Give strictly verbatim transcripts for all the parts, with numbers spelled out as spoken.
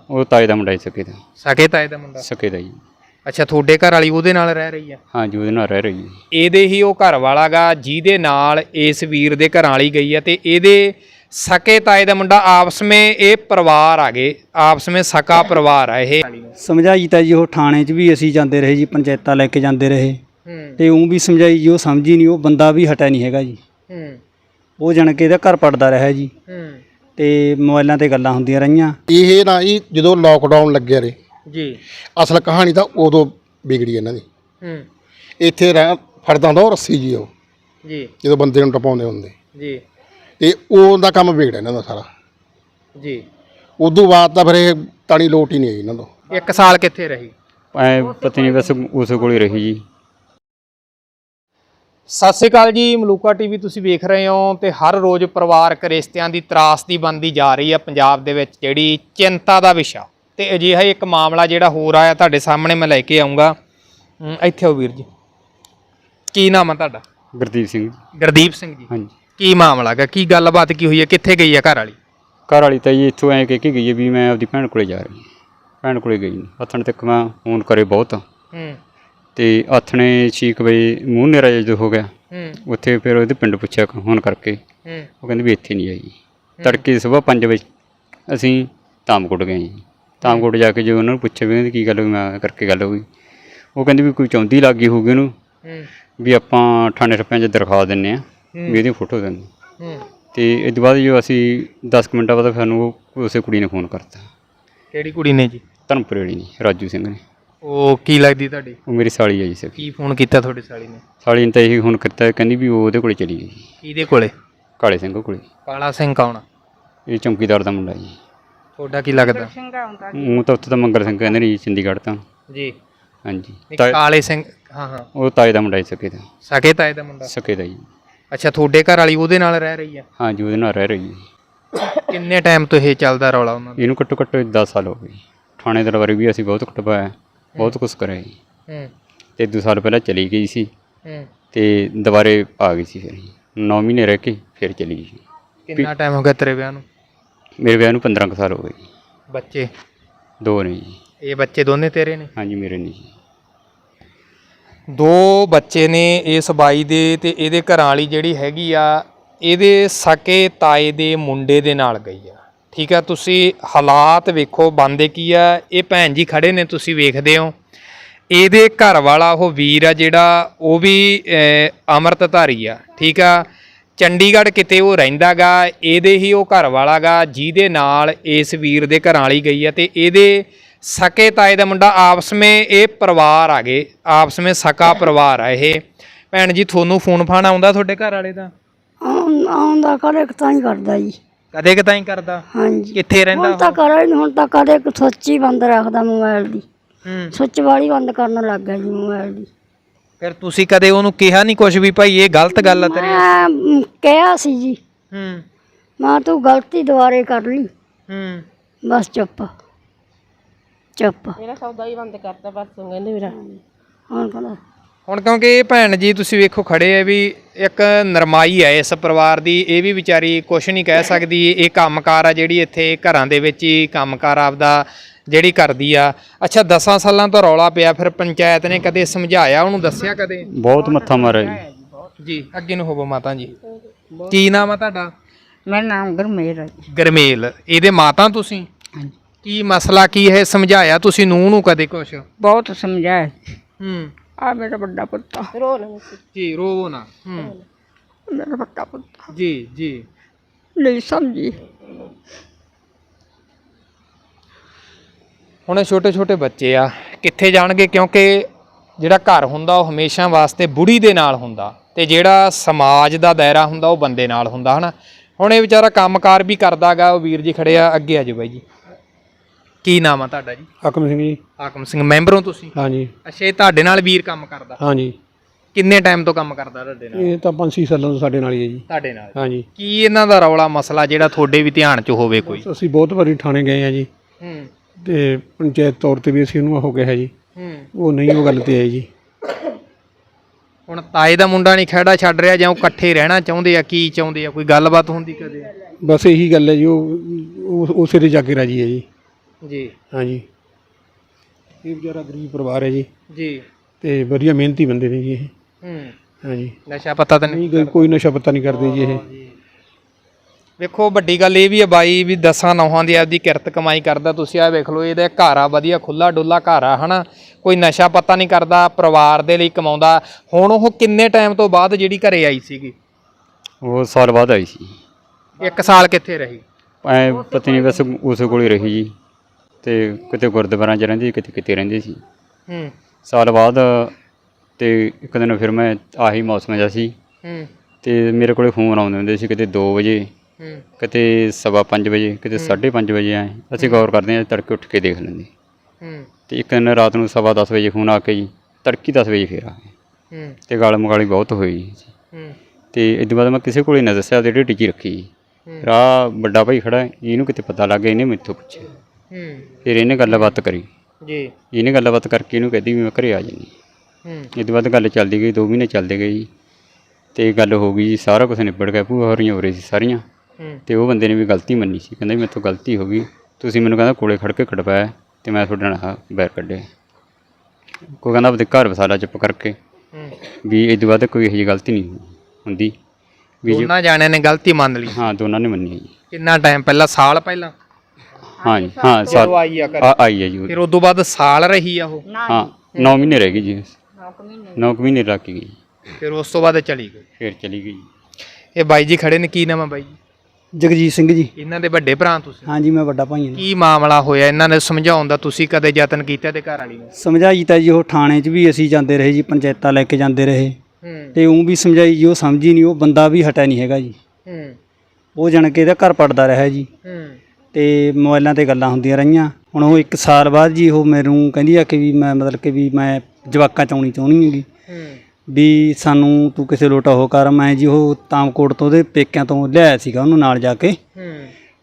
ਉਹ ਤਾਏ ਦਾ ਮੁੰਡਾ ਹੀ ਸਕੇ ਦਾ। ਸਕੇ ਤਾਏ ਦਾ ਮੁੰਡਾ ਸਕੇ ਦਾ ਜੀ। ਅੱਛਾ, ਤੁਹਾਡੇ ਘਰ ਵਾਲੀ ਉਹਦੇ ਨਾਲ ਰਹਿ ਰਹੀ ਆ? ਹਾਂ ਜੀ, ਉਹਦੇ ਨਾਲ ਰਹਿ ਰਹੀ ਹੈ। ਇਹਦੇ ਹੀ ਉਹ ਘਰ ਵਾਲਾ ਗਾ ਜਿਹਦੇ ਨਾਲ ਇਸ ਵੀਰ ਦੇ ਘਰਾਂ ਵਾਲੀ ਗਈ ਆ, ਤੇ ਇਹਦੇ ਸਕੇ ਤਾਏ ਦਾ ਮੁੰਡਾ। ਆਪਸ ਵਿੱਚ ਇਹ ਪਰਿਵਾਰ ਆ ਗਏ, ਆਪਸ ਵਿੱਚ ਸਕਾ ਪਰਿਵਾਰ ਆ ਇਹ। ਸਮਝਾਈ ਤਾਂ ਜੀ ਉਹ ਥਾਣੇ 'ਚ ਵੀ ਅਸੀਂ ਜਾਂਦੇ ਰਹੇ ਜੀ, ਪੰਚਾਇਤਾਂ ਲੈ ਕੇ ਜਾਂਦੇ ਰਹੇ ਤੇ ਉਹ ਵੀ ਸਮਝਾਈ ਜੀ, ਉਹ ਸਮਝੀ ਨਹੀਂ। ਉਹ ਬੰਦਾ ਵੀ ਹਟਿਆ ਨਹੀਂ ਹੈਗਾ ਜੀ। ਉਹ ਜਾਣ ਕੇ ਇਹਦਾ ਘਰ ਪੜਦਾ ਰਿਹਾ ਜੀ ਤੇ ਮੋਬਾਈਲਾਂ ਤੇ ਗੱਲਾਂ ਹੁੰਦੀਆਂ ਰਹੀਆਂ। ਇਹ ਨਾ ਜੀ ਜਦੋਂ ਲੋਕਡਾਊਨ ਲੱਗਿਆ ਰੇ ਜੀ, ਅਸਲ ਕਹਾਣੀ ਤਾਂ ਉਦੋਂ ਵਿਗੜੀ ਇਹਨਾਂ ਦੀ। ਇੱਥੇ ਰਹਿ ਫੜਦਾ ਹੁੰਦਾ ਉਹ ਰੱਸੀ ਜੀ, ਉਹ ਜੀ ਜਦੋਂ ਬੰਦੇ ਨੂੰ ਟਪਾਉਂਦੇ ਹੁੰਦੇ ਜੀ, ਤੇ ਉਹਦਾ ਕੰਮ ਵਿਗੜਿਆ ਇਹਨਾਂ ਦਾ ਸਾਰਾ ਜੀ। ਉਦੋਂ ਬਾਅਦ ਤਾਂ ਫਿਰ ਇਹ ਤਾਣੀ ਲੋਟ ਹੀ ਨਹੀਂ ਆਈ ਇਹਨਾਂ ਤੋਂ। ਇੱਕ ਸਾਲ ਕਿੱਥੇ ਰਹੀ? ਐ ਪਤਾ ਨਹੀਂ, ਬਸ ਉਸ ਕੋਲ ਹੀ ਰਹੀ ਜੀ। ਸਤਿ ਸ਼੍ਰੀ ਅਕਾਲ ਜੀ, ਮਲੂਕਾ ਟੀਵੀ ਤੁਸੀਂ ਵੇਖ ਰਹੇ ਹੋ ਤੇ ਹਰ ਰੋਜ਼ ਪਰਿਵਾਰਕ ਰਿਸ਼ਤਿਆਂ ਦੀ ਤਰਾਸਦੀ ਬਣਦੀ ਜਾ ਰਹੀ ਹੈ ਪੰਜਾਬ ਦੇ ਵਿੱਚ, ਜਿਹੜੀ ਚਿੰਤਾ ਦਾ ਵਿਸ਼ਾ। ਤੇ ਅਜਿਹਾ ਇੱਕ ਮਾਮਲਾ ਜਿਹੜਾ ਹੋ ਰਿਹਾ ਤੁਹਾਡੇ ਸਾਹਮਣੇ ਮੈਂ ਲੈ ਕੇ ਆਉਂਗਾ। ਇੱਥੇ ਆਓ ਵੀਰ ਜੀ, ਕੀ ਨਾਮ ਹੈ ਤੁਹਾਡਾ? ਗੁਰਦੀਪ ਸਿੰਘ ਜੀ। ਗੁਰਦੀਪ ਸਿੰਘ ਜੀ, ਹਾਂਜੀ। ਕੀ ਮਾਮਲਾ ਹੈਗਾ, ਕੀ ਗੱਲਬਾਤ ਕੀ ਹੋਈ ਹੈ, ਕਿੱਥੇ ਗਈ ਹੈ ਘਰ ਵਾਲੀ? ਘਰ ਵਾਲੀ ਤਾਂ ਜੀ ਇੱਥੋਂ ਐਂ ਕਹਿ ਕੇ ਗਈ ਹੈ ਵੀ ਮੈਂ ਆਪਦੀ ਭੈਣ ਕੋਲੇ ਜਾ ਰਹੀ ਹਾਂ। ਭੈਣ ਕੋਲੇ ਗਈ ਨਹੀਂ, ਹੱਥਣ ਤੱਕ ਮੈਂ ਫੋਨ ਕਰੇ ਬਹੁਤ ਹੂੰ ਤੇ ਆਥਣੇ ਛੇ ਕੁ ਵਜੇ ਮੂੰਹ ਨੇਰਾ ਜਦੋਂ ਹੋ ਗਿਆ ਹੂੰ ਉੱਥੇ ਫਿਰ ਉਹਦੇ ਪਿੰਡ ਪੁੱਛਿਆ ਫੋਨ ਕਰਕੇ, ਹੂੰ ਉਹ ਕਹਿੰਦੇ ਵੀ ਇੱਥੇ ਨਹੀਂ ਆਈ। ਤੜਕੇ ਸੁਬਾਹ ਪੰਜ ਵਜੇ ਅਸੀਂ ਧਾਮਕੋਟ ਗਏ ਜੀ। ਧਾਮਕੋਟ ਜਾ ਕੇ ਜੇ ਉਹਨਾਂ ਨੂੰ ਪੁੱਛਿਆ ਵੀ ਕਹਿੰਦੇ ਕੀ ਗੱਲ ਹੋਈ, ਮੈਂ ਕਰਕੇ ਗੱਲ ਹੋਈ। ਉਹ ਕਹਿੰਦੇ ਵੀ ਕੋਈ ਚੌਂਦੀ ਲੱਗ ਗਈ ਹੋਊਗੀ ਉਹਨੂੰ, ਵੀ ਆਪਾਂ ਥਾਣੇ ਰੁਪਿਆਂ 'ਚ ਦਰਖਾਸਤ ਦਿੰਦੇ ਹਾਂ ਵੀ ਇਹਦੀ ਫੋਟੋ ਦਿੰਦੇ। ਤੇ ਇਸ ਤੋਂ ਬਾਅਦ ਜੋ ਅਸੀਂ ਦਸ ਕੁ ਮਿੰਟਾਂ ਬਾਅਦ ਸਾਨੂੰ ਉਸੇ ਕੁੜੀ ਨੇ ਫੋਨ ਕਰਤਾ। ਕਿਹੜੀ ਕੁੜੀ ਨੇ ਜੀ? ਧਰਮਪੁਰੇ ਵਾਲੀ ਨੇ, ਰਾਜੂ ਸਿੰਘ ਨੇ। ਉਹ ਕੀ ਲੱਗਦੀ ਤੁਹਾਡੀ? ਉਹ ਮੇਰੀ ਸਾਲੀ ਹੈ ਜੀ। ਸਕੀ ਕੀ ਫੋਨ ਕੀਤਾ ਤੁਹਾਡੀ ਸਾਲੀ ਨੇ? ਸਾਲੀ ਨੇ ਤਾਂ ਇਹੀ ਹੁਣ ਕੀਤਾ, ਕਹਿੰਦੀ ਵੀ ਉਹ ਉਹਦੇ ਕੋਲੇ ਚਲੀ ਗਈ। ਕਿਹਦੇ ਕੋਲੇ? ਕਾਲੇ ਸਿੰਘ ਕੋਲੇ। ਕਾਲਾ ਸਿੰਘ ਕੌਣ? ਇਹ ਚੌਂਕੀਦਾਰ ਦਾ ਮੁੰਡਾ ਜੀ। ਤੁਹਾਡਾ ਕੀ ਲੱਗਦਾ? ਉਹ ਤਾਂ ਉੱਥੇ ਤਾਂ ਮੰਗਲ ਸਿੰਘ ਕਹਿੰਦੇ ਨੇ ਜੀ, ਚੰਡੀਗੜ੍ਹ ਤਾਂ। ਜੀ ਹਾਂਜੀ। ਕਾਲੇ ਸਿੰਘ, ਹਾਂ ਹਾਂ, ਉਹ ਤਾਏ ਦਾ ਮੁੰਡਾ ਜੀ। ਸਕੇ ਦਾ। ਸਕੇ ਤਾਏ ਦਾ ਮੁੰਡਾ? ਸਕੇ ਦਾ ਜੀ। ਅੱਛਾ, ਤੁਹਾਡੇ ਘਰ ਵਾਲੀ ਉਹਦੇ ਨਾਲ ਰਹਿ ਰਹੀ ਆ? ਹਾਂ ਜੀ, ਉਹਦੇ ਨਾਲ ਰਹਿ ਰਹੀ ਹੈ। ਕਿੰਨੇ ਟਾਈਮ ਤੋਂ ਇਹ ਚੱਲਦਾ ਰੌਲਾ ਉਹਨਾਂ ਦਾ? ਇਹਨੂੰ ਘੱਟੋ ਘੱਟ ਦਸ ਸਾਲ ਹੋ ਗਏ। ਥਾਣੇ ਦਰਬਾਰੇ ਵੀ ਅਸੀਂ ਬਹੁਤ ਕਟਵਾਇਆ, ਬਹੁਤ ਕੁਛ ਕਰਿਆ ਜੀ। ਹੂੰ ਤੇ ਦੋ ਸਾਲ ਪਹਿਲਾਂ ਚਲੀ ਗਈ ਸੀ ਹੂੰ ਤੇ ਦੁਬਾਰੇ ਆ ਗਈ ਸੀ। ਫਿਰ ਨੌ ਮਹੀਨੇ ਰਹਿ ਕੇ ਫਿਰ ਚਲੀ ਗਈ। ਕਿੰਨਾ ਟਾਈਮ ਹੋ ਗਿਆ ਤੇਰੇ ਵਿਆਹ ਨੂੰ? ਮੇਰੇ ਵਿਆਹ ਨੂੰ ਪੰਦਰਾਂ ਕੁ ਸਾਲ ਹੋ ਗਏ ਜੀ। ਬੱਚੇ? ਦੋ ਨੇ ਜੀ। ਇਹ ਬੱਚੇ ਦੋਨੇ ਤੇਰੇ ਨੇ? ਹਾਂਜੀ, ਮੇਰੇ ਨੇ ਜੀ। ਦੋ ਬੱਚੇ ਨੇ ਇਸ ਬਾਈ ਦੇ, ਤੇ ਇਹਦੇ ਘਰਾਂ ਵਾਲੀ ਜਿਹੜੀ ਹੈਗੀ ਆ ਇਹਦੇ ਸਕੇ ਤਾਏ ਦੇ ਮੁੰਡੇ ਦੇ ਨਾਲ ਗਈ ਆ। ਠੀਕ ਆ, ਤੁਸੀਂ ਹਾਲਾਤ ਵੇਖੋ ਬਣਦੇ ਕੀ ਆ। ਇਹ ਭੈਣ ਜੀ ਖੜੇ ਨੇ, ਤੁਸੀਂ ਵੇਖਦੇ ਹੋ। ਇਹਦੇ ਘਰ ਵਾਲਾ ਉਹ ਵੀਰ ਆ ਜਿਹੜਾ, ਉਹ ਵੀ ਅੰਮ੍ਰਿਤਧਾਰੀ ਆ। ਠੀਕ ਆ, ਚੰਡੀਗੜ੍ਹ ਕਿਤੇ ਉਹ ਰਹਿੰਦਾ ਗਾ। ਇਹਦੇ ਹੀ ਉਹ ਘਰ ਵਾਲਾ ਗਾ ਜਿਹਦੇ ਨਾਲ ਇਸ ਵੀਰ ਦੇ ਘਰਾਂ ਵਾਲੀ ਗਈ ਆ, ਤੇ ਇਹਦੇ ਸਕੇ ਤਾਏ ਦਾ ਮੁੰਡਾ। ਆਪਸ ਵਿੱਚ ਇਹ ਪਰਿਵਾਰ ਆ ਗਏ, ਆਪਸ ਵਿੱਚ ਸਕਾ ਪਰਿਵਾਰ ਆ ਇਹ। ਭੈਣ ਜੀ, ਤੁਹਾਨੂੰ ਫੋਨ ਫਾਨ ਆਉਂਦਾ ਤੁਹਾਡੇ ਘਰ ਵਾਲੇ ਦਾ? ਆਉਂਦਾ ਕਦੇ ਤਾਂ ਹੀ ਕਰਦਾ ਜੀ। ਕਦੇ ਕਿਤਾਂ ਹੀ ਕਰਦਾ? ਹਾਂਜੀ। ਕਿੱਥੇ ਰਹਿੰਦਾ? ਹੁਣ ਤਾਂ ਕਰੇ ਨਹੀਂ, ਹੁਣ ਤਾਂ ਕਦੇ ਸੁੱਚ ਹੀ ਬੰਦ ਰੱਖਦਾ ਮੋਬਾਈਲ ਦੀ। ਹੂੰ ਸੁੱਚ ਵਾਲੀ ਬੰਦ ਕਰਨ ਲੱਗ ਗਿਆ ਜੀ ਮੋਬਾਈਲ ਦੀ। ਫਿਰ ਤੁਸੀਂ ਕਦੇ ਉਹਨੂੰ ਕਿਹਾ ਨਹੀਂ ਕੁਛ ਵੀ ਭਾਈ ਇਹ ਗਲਤ ਗੱਲ ਆ ਤੇਰੇ? ਮੈਂ ਕਿਹਾ ਸੀ ਜੀ, ਹੂੰ ਮੈਂ ਤੂੰ ਗਲਤੀ ਦੁਬਾਰੇ ਕਰ ਲਈ। ਹੂੰ ਬਸ ਚੁੱਪ ਚੁੱਪ। ਮੇਰਾ ਸੌਦਾ ਹੀ ਬੰਦ ਕਰਤਾ ਪਰਸੋਂ ਕਹਿੰਦੇ ਮੇਰਾ। ਹੁਣ ਕਹਿੰਦਾ ਹੁਣ ਕਿਉਂਕਿ ਇਹ ਭੈਣ ਜੀ ਤੁਸੀਂ ਵੇਖੋ ਖੜੇ ਆ, ਵੀ ਇੱਕ ਨਰਮਾਈ ਹੈ ਇਸ ਪਰਿਵਾਰ ਦੀ। ਇਹ ਵੀ ਵਿਚਾਰੀ ਕੁਛ ਨਹੀਂ ਕਹਿ ਸਕਦੀ। ਇਹ ਕੰਮਕਾਰ ਆ ਜਿਹੜੀ ਇੱਥੇ ਘਰਾਂ ਦੇ ਵਿੱਚ ਹੀ ਕੰਮਕਾਰ ਆਪਦਾ ਜਿਹੜੀ ਕਰਦੀ ਆ। ਅੱਛਾ, ਦਸਾਂ ਸਾਲਾਂ ਤੋਂ ਰੌਲਾ ਪਿਆ, ਫਿਰ ਪੰਚਾਇਤ ਨੇ ਕਦੇ ਸਮਝਾਇਆ ਉਹਨੂੰ, ਦੱਸਿਆ ਕਦੇ? ਬਹੁਤ ਮੱਥਾ ਮਾਰਿਆ ਜੀ। ਜੀ ਅੱਗੇ ਨੂੰ ਹੋਵੋ ਮਾਤਾ ਜੀ। ਕੀ ਨਾਮ ਆ ਤੁਹਾਡਾ? ਮੇਰਾ ਨਾਮ ਗਰਮੇਲ ਹੈ। ਗਰਮੇਲ, ਇਹਦੇ ਮਾਤਾ ਤੁਸੀਂ? ਹਾਂਜੀ। ਕੀ ਮਸਲਾ ਕੀ ਹੈ, ਸਮਝਾਇਆ ਤੁਸੀਂ ਨੂੰਹ ਨੂੰ ਕਦੇ ਕੁਛ? ਬਹੁਤ ਸਮਝਾਇਆ। ਹੂੰ ਆ ਮੇਰਾ ਵੱਡਾ ਪੁੱਤ ਆ। ਰੋ ਨਾ ਜੀ, ਰੋਵੋ ਨਾ। ਹੂੰ ਮੇਰਾ ਵੱਡਾ ਪੁੱਤ ਜੀ ਜੀ। ਨਹੀਂ ਸਮਝੀ। ਹੁਣ ਛੋਟੇ ਛੋਟੇ ਬੱਚੇ ਆ, ਕਿੱਥੇ ਜਾਣਗੇ? ਕਿਉਂਕਿ ਜਿਹੜਾ ਘਰ ਹੁੰਦਾ ਉਹ ਹਮੇਸ਼ਾ ਵਾਸਤੇ ਬੁੜੀ ਦੇ ਨਾਲ ਹੁੰਦਾ, ਤੇ ਜਿਹੜਾ ਸਮਾਜ ਦਾ ਦਾਇਰਾ ਹੁੰਦਾ ਉਹ ਬੰਦੇ ਨਾਲ ਹੁੰਦਾ, ਹਨਾ। ਹੁਣ ਇਹ ਵਿਚਾਰਾ ਕੰਮਕਾਰ ਵੀ ਕਰਦਾ ਗਾ। ਉਹ ਵੀਰ ਜੀ ਖੜੇ ਆ, ਅੱਗੇ ਆ ਜਾਓ ਬਾਈ ਜੀ। ਕੀ ਨਾਮ ਆ ਤੁਹਾਡਾ ਜੀ? ਹਾਕਮ ਸਿੰਘ ਜੀ। ਹਾਕਮ ਸਿੰਘ, ਮੈਂਬਰ ਹੋ ਤੁਸੀਂ? ਹਾਂਜੀ। ਅੱਛਾ, ਇਹ ਤੁਹਾਡੇ ਨਾਲ ਵੀਰ ਕੰਮ ਕਰਦਾ? ਹਾਂਜੀ। ਕਿੰਨੇ ਟਾਈਮ ਤੋਂ ਕੰਮ ਕਰਦਾ ਤੁਹਾਡੇ ਨਾਲ? ਇਹ ਤਾਂ ਪੰਜ ਛੇ ਸਾਲਾਂ ਤੋਂ ਸਾਡੇ ਨਾਲ ਹੀ ਹੈ ਜੀ। ਤੁਹਾਡੇ ਨਾਲ? ਹਾਂਜੀ। ਕੀ ਇਹਨਾਂ ਦਾ ਰੌਲਾ ਮਸਲਾ ਜਿਹੜਾ ਤੁਹਾਡੇ ਵੀ ਧਿਆਨ 'ਚ ਹੋਵੇ ਕੋਈ? ਅਸੀਂ ਬਹੁਤ ਵਾਰੀ ਥਾਣੇ ਗਏ ਆ ਜੀ, ਹੂੰ ਤੇ ਪੰਚਾਇਤ ਤੌਰ ਤੇ ਵੀ ਅਸੀਂ ਉਹਨੂੰ ਹੋ ਗਿਆ ਜੀ। ਹੂੰ ਉਹ ਨਹੀਂ ਉਹ ਗੱਲ ਤੇ ਆਈ ਜੀ। ਹੁਣ ਤਾਏ ਦਾ ਮੁੰਡਾ ਨਹੀਂ ਖਹਿੜਾ ਛੱਡ ਰਿਹਾ, ਜਾਂ ਉਹ ਇਕੱਠੇ ਰਹਿਣਾ ਚਾਹੁੰਦੇ ਆ? ਕੀ ਚਾਹੁੰਦੇ ਆ? ਕੋਈ ਗੱਲਬਾਤ ਹੁੰਦੀ ਕਦੇ? ਬਸ ਇਹੀ ਗੱਲ ਹੈ ਜੀ। ਉਹ ਉਸੇ ਦੇ ਜਾ ਕੇ ਰਾਜੀ ਹੈ ਜੀ। ਜੀ ਹਾਂਜੀ ਇਹ ਵਿਚਾਰਾ ਗਰੀਬ ਪਰਿਵਾਰ ਹੈ ਜੀ ਜੀ ਤੇ ਵਧੀਆ ਮਿਹਨਤੀ ਬੰਦੇ ਨੇ ਜੀ ਇਹ ਹੂੰ ਹਾਂਜੀ ਨਸ਼ਾ ਪਤਾ ਤਾਂ ਨਹੀਂ ਨਹੀਂ ਕੋਈ- ਕੋਈ ਨਸ਼ਾ ਪੱਤਾ ਨਹੀਂ ਕਰਦੇ ਜੀ ਇਹ ਵੇਖੋ ਵੱਡੀ ਗੱਲ ਇਹ ਵੀ ਹੈ ਬਾਈ ਵੀ ਦਸਾਂ ਨੌਹਾਂ ਦੀ ਆਪਦੀ ਕਿਰਤ ਕਮਾਈ ਕਰਦਾ। ਤੁਸੀਂ ਆ ਵੇਖ ਲਓ ਇਹਦਾ ਘਰ ਆ ਵਧੀਆ ਖੁੱਲਾ ਡੁੱਲਾ ਘਰ ਆ ਹਨਾ, ਕੋਈ ਨਸ਼ਾ ਪੱਤਾ ਨਹੀਂ ਕਰਦਾ, ਪਰਿਵਾਰ ਦੇ ਲਈ ਕਮਾਉਂਦਾ। ਹੁਣ ਉਹ ਕਿੰਨੇ ਟਾਈਮ ਤੋਂ ਬਾਅਦ ਜਿਹੜੀ ਘਰੇ ਆਈ ਸੀਗੀ? ਉਹ ਸਾਲ ਬਾਅਦ ਆਈ ਸੀ। ਇੱਕ ਸਾਲ ਕਿੱਥੇ ਰਹੀ? ਐ ਪਤਾ ਨਹੀਂ ਬਸ ਉਸ ਕੋਲ ਹੀ ਰਹੀ ਜੀ, ਤੇ ਕਿਤੇ ਗੁਰਦੁਆਰਿਆਂ 'ਚ ਰਹਿੰਦੀ ਕਿਤੇ ਕਿਤੇ ਰਹਿੰਦੀ ਸੀ। ਹੂੰ ਸਾਲ ਬਾਅਦ ਤੇ ਇੱਕ ਦਿਨ ਫਿਰ ਮੈਂ ਆਹੀ ਮੌਸਮ ਜਿਹਾ ਸੀ ਹੂੰ ਤੇ ਮੇਰੇ ਕੋਲੇ ਫੋਨ ਆਉਂਦੇ ਹੁੰਦੇ ਸੀ, ਕਿਤੇ ਦੋ ਵਜੇ, ਹੂੰ ਕਿਤੇ ਸਵਾ ਪੰਜ ਵਜੇ, ਕਿਤੇ ਸਾਢੇ ਪੰਜ ਵਜੇ ਆਏ। ਅਸੀਂ ਗੌਰ ਕਰਦੇ ਹਾਂ, ਤੜਕੇ ਉੱਠ ਕੇ ਦੇਖ ਲੈਂਦੇ। ਹੂੰ ਤੇ ਇੱਕ ਦਿਨ ਰਾਤ ਨੂੰ ਸਵਾ ਦਸ ਵਜੇ ਫੋਨ ਆ ਕੇ ਜੀ ਤੜਕੀ ਦਸ ਵਜੇ ਫਿਰ ਆ ਗਏ ਹੂੰ ਤੇ ਗਾਲ ਮਗਾਲੀ ਬਹੁਤ ਹੋਈ ਜੀ। ਹੂੰ ਤੇ ਇਸ ਤੋਂ ਬਾਅਦ ਮੈਂ ਕਿਸੇ ਕੋਲੇ ਨਾ ਦੱਸਿਆ, ਤੇ ਢੇਡੀ 'ਚ ਹੀ ਰੱਖੀ ਜੀ। ਰਾਹ ਵੱਡਾ ਭਾਈ ਖੜਾ, ਇਹਨੂੰ ਕਿਤੇ ਪਤਾ ਲੱਗ ਗਿਆ, ਇਹਨੇ ਮੈਥੋਂ ਪੁੱਛਿਆ। ਹੂੰ ਫਿਰ ਇਹਨੇ ਗੱਲਬਾਤ ਕਰੀ, ਜੀ ਇਹਨੇ ਗੱਲਬਾਤ ਕਰਕੇ ਇਹਨੂੰ ਕਹਿੰਦੀ ਵੀ ਮੈਂ ਘਰੇ ਆ ਜਾਂਦੀ। ਹੂੰ ਇਸ ਤੋਂ ਬਾਅਦ ਗੱਲ ਚੱਲਦੀ ਗਈ, ਦੋ ਮਹੀਨੇ ਚੱਲਦੇ ਗਏ ਜੀ, ਤੇ ਗੱਲ ਹੋ ਗਈ ਜੀ, ਸਾਰਾ ਕੁਝ ਨਿਬੜ ਗਿਆ। ਭੂਆ ਹੋਰੀਆਂ ਹੋ ਰਹੀ ਸੀ ਸਾਰੀਆਂ, ਹੂੰ ਤੇ ਉਹ ਬੰਦੇ ਨੇ ਵੀ ਗਲਤੀ ਮੰਨੀ ਸੀ। ਕਹਿੰਦਾ ਵੀ ਮੇਰੇ ਤੋਂ ਗਲਤੀ ਹੋ ਗਈ, ਤੁਸੀਂ ਮੈਨੂੰ ਕਹਿੰਦਾ ਕੋਲੇ ਖੜ ਕੇ ਕਟਵਾਇਆ ਤੇ ਮੈਂ ਤੁਹਾਡੇ ਨਾਲ ਬੈਰ ਕੱਢਿਆ। ਕੋਈ ਕਹਿੰਦਾ ਆਪਦੇ ਘਰ ਵਸਾਲਾ ਚੁੱਪ ਕਰਕੇ, ਹੂੰ ਵੀ ਇਸ ਤੋਂ ਬਾਅਦ ਕੋਈ ਇਹੋ ਜਿਹੀ ਗਲਤੀ ਨਹੀਂ ਹੁੰਦੀ ਵੀ ਜੇ। ਦੋਨਾਂ ਜਾਣਿਆਂ ਨੇ ਗਲਤੀ ਮੰਨ ਲਈ। ਹਾਂ ਦੋਨਾਂ ਨੇ ਮੰਨੀ ਹੈ ਜੀ। ਕਿੰਨਾ ਟਾਈਮ ਪਹਿਲਾਂ? ਸਾਲ ਪਹਿਲਾਂ ਹਾਂ ਜੀ ਹਾਂ ਜਦੋਂ ਸਾਲ ਆਈ ਆ ਘਰੇ? ਆ- ਆਈ ਹੈ ਜੀ ਉਹ। ਫਿਰ ਉਦੋਂ ਬਾਅਦ ਸਾਲ ਰਹੀ ਆ ਉਹ? ਹਾਂ ਨੌ ਮਹੀਨੇ ਰਹਿ ਗਈ ਜੀ, ਨੌ ਕੁ ਮਹੀਨੇ ਲੱਗ ਗਈ, ਫਿਰ ਉਸ ਤੋਂ ਬਾਅਦ ਚਲੀ ਗਈ। ਫਿਰ ਚਲੀ ਗਈ। ਇਹ ਬਾਈ ਜੀ ਖੜੇ ਨੇ, ਕੀ ਨਾਮ ਆ ਬਾਈ ਜੀ? ਜਗਜੀਤ ਸਿੰਘ ਜੀ। ਇਹਨਾਂ ਦੇ ਵੱਡੇ ਭਰਾ ਤੁਸੀਂ? ਹਾਂਜੀ ਮੈਂ ਵੱਡਾ ਭਾਈ ਹਾਂ ਜੀ। ਕੀ ਮਾਮਲਾ ਹੋਇਆ ਇਹਨਾਂ ਨੇ ਸਮਝਾਉਣ ਦਾ? ਤੁਸੀਂ ਕਦੇ ਯਤਨ ਕੀਤਾ ਤੇ ਘਰ ਵਾਲੀ ਨੂੰ? ਸਮਝਾਈ ਤਾਂ ਜੀ ਉਹ ਥਾਣੇ 'ਚ ਵੀ ਅਸੀਂ ਜਾਂਦੇ ਰਹੇ ਜੀ, ਪੰਚਾਇਤਾਂ ਲੈ ਕੇ ਜਾਂਦੇ ਰਹੇ ਹੂੰ ਤੇ ਉਹ ਵੀ ਸਮਝਾਈ ਜੀ, ਉਹ ਸਮਝੀ ਨਹੀਂ। ਉਹ ਬੰਦਾ ਵੀ ਹਟਿਆ ਨਹੀਂ ਹੈਗਾ ਜੀ, ਹੂੰ ਉਹ ਜਾਣ ਕੇ ਇਹਦਾ ਘਰ ਪੜਦਾ ਰਿਹਾ ਜੀ, ਹੂੰ ਤੇ ਮੋਬਾਈਲਾਂ ਤੇ ਗੱਲਾਂ ਹੁੰਦੀਆਂ ਰਹੀਆਂ। ਹੁਣ ਉਹ ਇੱਕ ਸਾਲ ਬਾਅਦ ਜੀ ਉਹ ਮੈਨੂੰ ਕਹਿੰਦੀ ਆ ਕਿ ਵੀ ਮੈਂ ਮਤਲਬ ਕਿ ਵੀ ਮੈਂ ਜਵਾਕਾਂ 'ਚ ਆਉਣੀ ਚਾਹੁੰਦੀ ਹੈਗੀ, ਹੂੰ ਵੀ ਸਾਨੂੰ ਤੂੰ ਕਿਸੇ ਲੋਟਾ ਉਹ ਕਰ। ਮੈਂ ਜੀ ਉਹ ਤਾਮਕੋਟ ਤੋਂ ਉਹਦੇ ਪੇਕਿਆਂ ਤੋਂ ਲਿਆਇਆ ਸੀਗਾ ਉਹਨੂੰ ਨਾਲ ਜਾ ਕੇ, ਹੂੰ